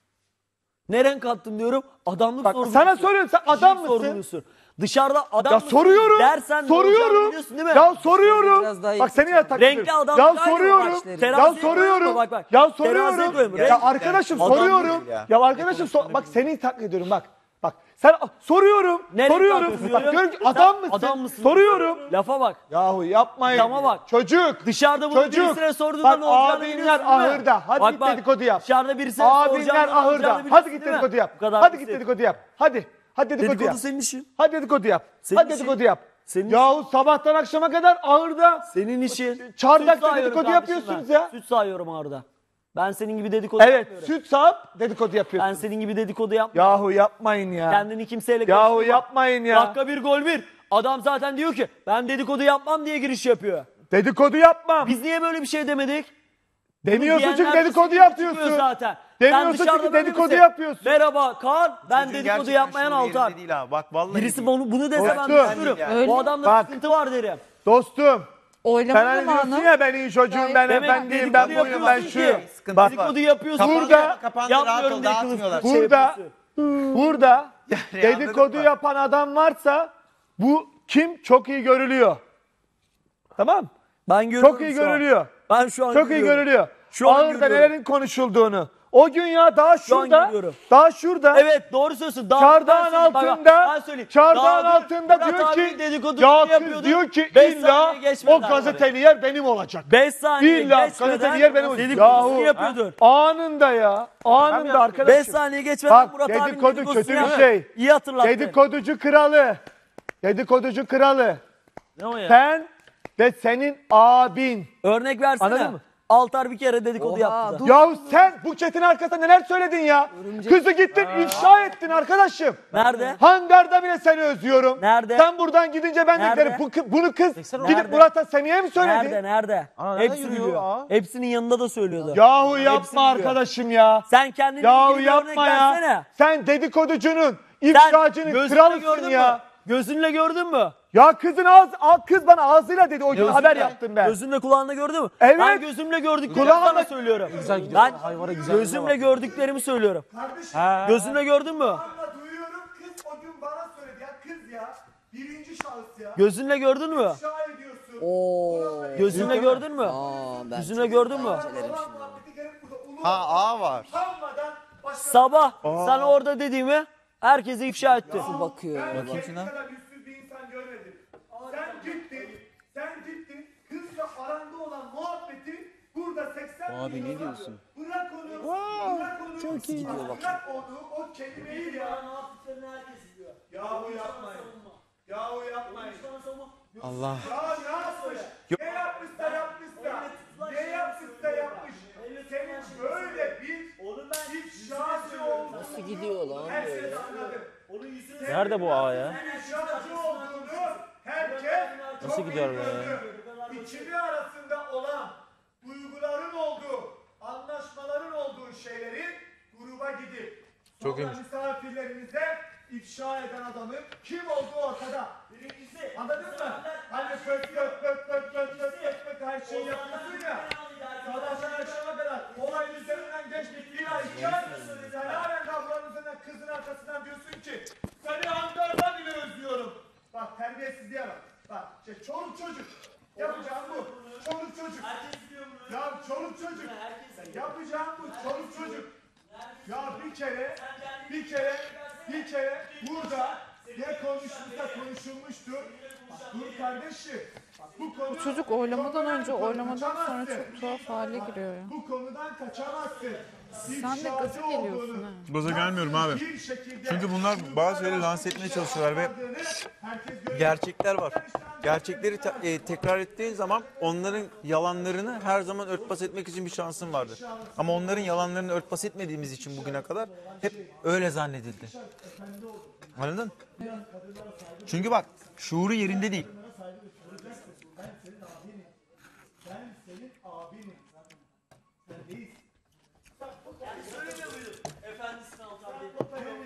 Speaker 1: Ne renk attın diyorum. Adamlık
Speaker 3: Bak
Speaker 1: sorguluyorsun.
Speaker 3: sana soruyorum sen adam
Speaker 1: Kişilik
Speaker 3: mısın?
Speaker 1: sorguluyorsun. Dışarıda adam
Speaker 3: Ya
Speaker 1: mısın
Speaker 3: soruyorum.
Speaker 1: dersen ne olacağını
Speaker 3: Soruyorum.
Speaker 1: biliyorsun değil mi?
Speaker 3: Ya soruyorum.
Speaker 4: Biraz daha iyi
Speaker 3: Bak seni ya takip
Speaker 1: Renkli
Speaker 3: ediyorum.
Speaker 1: adam
Speaker 3: Ya
Speaker 1: aynı
Speaker 3: soruyorum.
Speaker 1: bak,
Speaker 3: Ya
Speaker 1: teraziye
Speaker 3: soruyorum.
Speaker 1: koyma, bak, bak.
Speaker 3: Ya
Speaker 1: Teraziye
Speaker 3: soruyorum.
Speaker 1: koyma,
Speaker 3: Ya
Speaker 1: renk-
Speaker 3: arkadaşım
Speaker 1: Adam
Speaker 3: soruyorum.
Speaker 2: değil ya.
Speaker 3: Ya arkadaşım bak seni taklit ediyorum bak. Bak sen soruyorum.
Speaker 1: Ne renk
Speaker 3: Soruyorum.
Speaker 1: takıyorsun
Speaker 3: Bak
Speaker 1: diyorum.
Speaker 3: diyorum ki
Speaker 1: Sen
Speaker 3: adam mısın?
Speaker 1: adam mısın?
Speaker 3: Soruyorum.
Speaker 1: Lafa bak.
Speaker 3: Yahu yapmayın.
Speaker 1: Adama bak.
Speaker 3: Çocuk.
Speaker 1: Dışarıda bunu
Speaker 3: Çocuk.
Speaker 1: birisine sorduğunda
Speaker 3: Bak
Speaker 1: ne olacağını
Speaker 3: abinler
Speaker 1: biliyorsun değil mi?
Speaker 3: ahırda. Hadi
Speaker 1: Bak,
Speaker 3: git
Speaker 1: bak,
Speaker 3: dedikodu yap.
Speaker 1: Dışarıda birisine
Speaker 3: Abinler
Speaker 1: soracağını ne
Speaker 3: ahırda.
Speaker 1: olacağını
Speaker 3: Hadi
Speaker 1: biliyorsun
Speaker 3: git
Speaker 1: değil mi?
Speaker 3: dedikodu yap.
Speaker 1: Bu kadar
Speaker 3: Hadi git
Speaker 1: basit.
Speaker 3: dedikodu yap. Hadi. Hadi dedikodu
Speaker 1: Dedikodu
Speaker 3: yap.
Speaker 1: senin işin.
Speaker 3: Hadi dedikodu yap.
Speaker 1: Senin
Speaker 3: Hadi
Speaker 1: işin.
Speaker 3: dedikodu yap.
Speaker 1: Senin
Speaker 3: Yahu sabahtan akşama kadar ağırda.
Speaker 1: Senin işin.
Speaker 3: Çardakta
Speaker 1: Süt sağıyorum
Speaker 3: dedikodu
Speaker 1: kardeşim
Speaker 3: yapıyorsunuz
Speaker 1: ben.
Speaker 3: ya.
Speaker 1: Süt sağıyorum orada. Ben senin gibi dedikodu
Speaker 3: Evet
Speaker 1: yapmıyorum.
Speaker 3: süt sağıp dedikodu
Speaker 1: Ben
Speaker 3: yapıyorsunuz.
Speaker 1: senin gibi dedikodu yapmıyorum.
Speaker 3: Yahu yapmayın ya.
Speaker 1: Kendini kimseyle
Speaker 3: Yahu
Speaker 1: karıştırma.
Speaker 3: yapmayın ya.
Speaker 1: Dakika bir gol bir. Adam zaten diyor ki ben dedikodu yapmam diye giriş yapıyor.
Speaker 3: Dedikodu yapmam.
Speaker 1: Biz niye böyle bir şey demedik?
Speaker 3: Demiyorsun çünkü
Speaker 1: Diyenler
Speaker 3: dedikodu
Speaker 1: kesinlikle
Speaker 3: yapıyorsun.
Speaker 1: çıkıyor zaten.
Speaker 3: Demiyorsun
Speaker 1: Sen dışarıda
Speaker 3: çünkü
Speaker 1: böyle
Speaker 3: dedikodu
Speaker 1: misin?
Speaker 3: yapıyorsun.
Speaker 1: Merhaba Kaan, ben
Speaker 2: Çocuğun
Speaker 1: dedikodu
Speaker 2: gerçekten
Speaker 1: yapmayan
Speaker 2: şuuru yerinde
Speaker 1: Altar.
Speaker 2: değil ha. Bak vallahi
Speaker 1: Birisi
Speaker 2: değil.
Speaker 1: bunu dese ben
Speaker 3: Dostum.
Speaker 1: düşünürüm.
Speaker 4: Öyle
Speaker 1: Bu
Speaker 4: mi?
Speaker 1: adamda
Speaker 3: Bak.
Speaker 1: sıkıntı var derim.
Speaker 3: Dostum.
Speaker 4: Oylama
Speaker 3: Sen hani diyorsun
Speaker 4: zamanı.
Speaker 3: ya ben iyi çocuğum, ben
Speaker 1: Demek
Speaker 3: efendiyim, ben
Speaker 1: dedikodu
Speaker 3: buyum, ben
Speaker 1: yapıyorsun
Speaker 3: şuyum.
Speaker 1: ki,
Speaker 2: Sıkıntı
Speaker 3: Bak
Speaker 1: Dedikodu yapıyorsun.
Speaker 3: Burada-
Speaker 2: kapandı, rahat
Speaker 1: yapmıyorum
Speaker 2: ol,
Speaker 1: diye
Speaker 2: dağıtmıyorlar.
Speaker 1: kılıf şey
Speaker 3: Burada
Speaker 1: yapıyorsun.
Speaker 3: burada
Speaker 2: Yani
Speaker 3: dedikodu
Speaker 2: anladın mı?
Speaker 3: yapan adam varsa bu kim çok iyi görülüyor. Tamam?
Speaker 1: Ben görüyorum
Speaker 3: Çok iyi
Speaker 1: şu an.
Speaker 3: görülüyor.
Speaker 1: Ben şu an
Speaker 3: Çok iyi
Speaker 1: görüyorum.
Speaker 3: görülüyor.
Speaker 1: Şu an
Speaker 3: Ağırda
Speaker 1: görüyorum.
Speaker 3: nelerin konuşulduğunu. O gün ya daha
Speaker 1: an
Speaker 3: şurada.
Speaker 1: görüyorum.
Speaker 3: Daha şurada.
Speaker 1: Evet doğru söylüyorsun. Daha
Speaker 3: Çardağın
Speaker 1: ben söyleyeyim, bak,
Speaker 3: altında,
Speaker 1: ben söyleyeyim.
Speaker 3: çardağın
Speaker 1: Daha
Speaker 3: altında
Speaker 1: Murat
Speaker 3: diyor
Speaker 1: abi
Speaker 3: ki,
Speaker 1: dedikodusunu
Speaker 3: ya kız
Speaker 1: yapıyordu.
Speaker 3: diyor ki
Speaker 1: 5
Speaker 3: illa
Speaker 1: saniye geçmeden
Speaker 3: o gazeteli yer benim olacak.
Speaker 1: 5 saniye
Speaker 3: İlla
Speaker 1: geçmeden
Speaker 3: gazeteli yer benim olacak.
Speaker 1: dedikodusunu
Speaker 3: Yahu
Speaker 1: yapıyordun.
Speaker 3: anında ya. Anında arkadaşım.
Speaker 1: 5 saniye geçmeden
Speaker 3: Bak,
Speaker 1: Murat abinin
Speaker 3: dedikodu
Speaker 1: dedikodusunu
Speaker 3: kötü bir
Speaker 1: yaptı.
Speaker 3: şey.
Speaker 1: İyi hatırlattın.
Speaker 3: Dedikoducu kralı. Dedikoducu kralı.
Speaker 1: Ne o ya?
Speaker 3: Sen ve senin abin.
Speaker 1: Örnek versene.
Speaker 3: Anladın mı?
Speaker 1: Altar bir kere dedikodu
Speaker 4: Oha,
Speaker 1: yaptı da.
Speaker 4: dur.
Speaker 3: Yahu sen Buket'in arkasında neler söyledin ya? Kızı gittin ifşa ettin arkadaşım.
Speaker 1: Nerede?
Speaker 3: Hangarda bile seni özlüyorum.
Speaker 1: Nerede?
Speaker 3: Sen buradan gidince ben de
Speaker 1: Nerede?
Speaker 3: giderim. Bunu kız gidip
Speaker 1: Nerede?
Speaker 3: Murat'a Seniye mi söyledi?
Speaker 1: Nerede? Nerede? Hepsi biliyor. Hepsinin yanında da söylüyordu.
Speaker 3: Yahu
Speaker 1: Hepsi
Speaker 3: yapma
Speaker 1: biliyor.
Speaker 3: arkadaşım ya.
Speaker 1: Sen kendini
Speaker 3: Yahu
Speaker 1: ilgili bir örnek
Speaker 3: yapma ya.
Speaker 1: versene.
Speaker 3: Sen dedikoducunun,
Speaker 1: Sen
Speaker 3: ifşacının
Speaker 1: gözünle
Speaker 3: kralısın
Speaker 1: gördün
Speaker 3: ya.
Speaker 1: mü? Gözünle gördün mü?
Speaker 3: Ya kız bana ağzıyla dedi o gün haber yaptım ben.
Speaker 1: Gözünle kulağınla gördün mü?
Speaker 3: Evet.
Speaker 1: Ben gözümle gördüklerimi
Speaker 3: Kulağınla-
Speaker 1: sana söylüyorum. Ben gözümle gördüklerimi söylüyorum. Gözünle gördün mü?
Speaker 3: Duyuyorum kız o gün bana söyledi ya kız ya. Birinci şahıs ya.
Speaker 1: Gözünle gördün mü?
Speaker 3: İfşa ediyorsun.
Speaker 4: Oo.
Speaker 1: Gözünle gördün mü?
Speaker 4: Aa, ben
Speaker 1: Gözünle gördün mü?
Speaker 2: Ha A var.
Speaker 1: Sabah sana orada dediğimi herkese ifşa etti.
Speaker 4: bakıyor.
Speaker 2: Bakayım şuna.
Speaker 3: kadar yüzsüz bir insan görmedim. Sen gittin kızla aranda olan muhabbeti burada 80
Speaker 2: Abi ne diyorsun?
Speaker 3: Bırak onu.
Speaker 4: Çok iyi gidiyor bak.
Speaker 3: Bırak onu o kelimeyi ya. Yahu yapmayın. Yahu yapmayın.
Speaker 2: Allah.
Speaker 3: Ya ne yapmış? Ne yapmışsa yapmış. Senin böyle bir
Speaker 5: Nerede bu A ya?
Speaker 3: İnşaatçı olduğunu herkes
Speaker 5: Nasıl
Speaker 3: çok
Speaker 5: gidiyor
Speaker 3: iyi
Speaker 5: be?
Speaker 3: gördü. İkili arasında olan duyguların olduğu, anlaşmaların olduğu şeyleri gruba gidip sonra misafirlerimize ifşa eden adamın kim olduğu ortada. Birincisi, anladın mı? Hani pöt her şeyi yapıyorsun ya. Sabahtan akşama kadar olay üzerinden geçtik bir ay, 2 ay. Sen halen ablanın üzerinden kızın arkasından diyorsun ki seni Ankara'da bile özlüyorum. Bak terbiyesizliğe bak. Bak işte çoluk çocuk. Yapacağım bu. Çoluk çocuk. Ya çoluk çocuk. Yapacağım bu çoluk çocuk. Ya bir kere burada ne konuşmuşsa konuşulmuştur. Bak dur kardeşim. Bak, bu konu
Speaker 6: Çocuk oylamadan
Speaker 3: çok
Speaker 6: önce,
Speaker 3: önemli.
Speaker 6: oylamadan sonra
Speaker 3: Kaçamazsın.
Speaker 6: çok tuhaf hale giriyor ya.
Speaker 3: Bu konudan kaçamazsın.
Speaker 6: Sen de gaza geliyorsun ha.
Speaker 7: Gaza gelmiyorum abi. Çünkü bunlar bazı şeyleri lanse etmeye çalışıyorlar ve gerçekler var. Gerçekleri tekrar ettiğin zaman onların yalanlarını her zaman örtbas etmek için bir şansın vardı. Ama onların yalanlarını örtbas etmediğimiz için bugüne kadar hep öyle zannedildi. Anladın? Çünkü bak şuuru yerinde değil.
Speaker 1: Efendisini Altan Bey.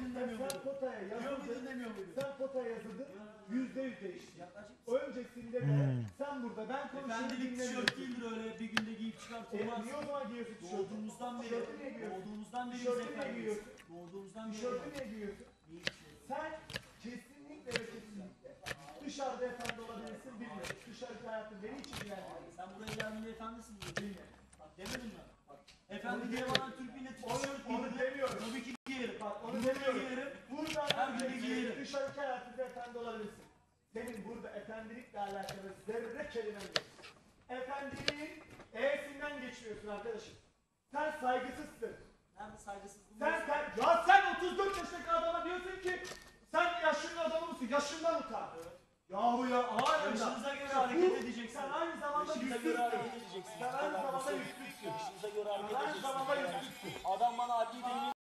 Speaker 3: Sen potaya yazıldın, %100 değişti. Öncesinde de sen burada ben konuşuyorum
Speaker 1: Efendilik tişört değildir öyle bir günde giyip çıkartılmaz.
Speaker 3: Niye o zaman giyiyorsun tişörtü?
Speaker 1: Doğduğumuzdan beri,
Speaker 3: Tişörtü niye giyiyorsun?
Speaker 1: doğduğumuzdan beri biz
Speaker 3: Tişörtü niye
Speaker 1: efendiyiz.
Speaker 3: giyiyorsun?
Speaker 1: Doğduğumuzdan beri.
Speaker 3: Tişörtü niye giyiyorsun? Sen kesinlikle ve kesinlikle dışarıda efendi olabilirsin bilmiyorum. Dışarıki hayatın beni hiç ilgilendirmez.
Speaker 1: Sen buraya geldiğinde efendisin diye bilmiyorum. Bak demedim mi? Bak, efendi diye bana Türk milleti tişört
Speaker 3: Onu
Speaker 1: giydirdi.
Speaker 3: demiyorum.
Speaker 1: Tabii ki giyerim.
Speaker 3: Bak onu
Speaker 1: Bunu
Speaker 3: demiyorum.
Speaker 1: giyerim.
Speaker 3: Buradan
Speaker 1: Her gün giyerim.
Speaker 3: dışarıki hayatında efendi olabilirsin. Senin burada efendilikle alakalı zerre kelimen yok. Efendiliğin E'sinden geçmiyorsun arkadaşım. Sen saygısızsın.
Speaker 1: Nerede saygısızlığım?
Speaker 3: Sen 34 yaşındaki adama diyorsun ki sen yaşlı adamı mısın? Yaşından utan. Yahu ya hayır.
Speaker 1: Yaşınıza göre hareket edeceksin.
Speaker 3: Sen aynı zamanda
Speaker 1: Yaşınıza
Speaker 3: yüzsüzsün.
Speaker 1: göre hareket edeceksin.
Speaker 3: Sen aynı zamanda
Speaker 1: Sen
Speaker 3: yüzsüzsün.
Speaker 1: Yaşınıza göre hareket
Speaker 3: Sen aynı
Speaker 1: edeceksin.
Speaker 3: zamanda yüzsüzsün.
Speaker 1: Adam bana adli deyimi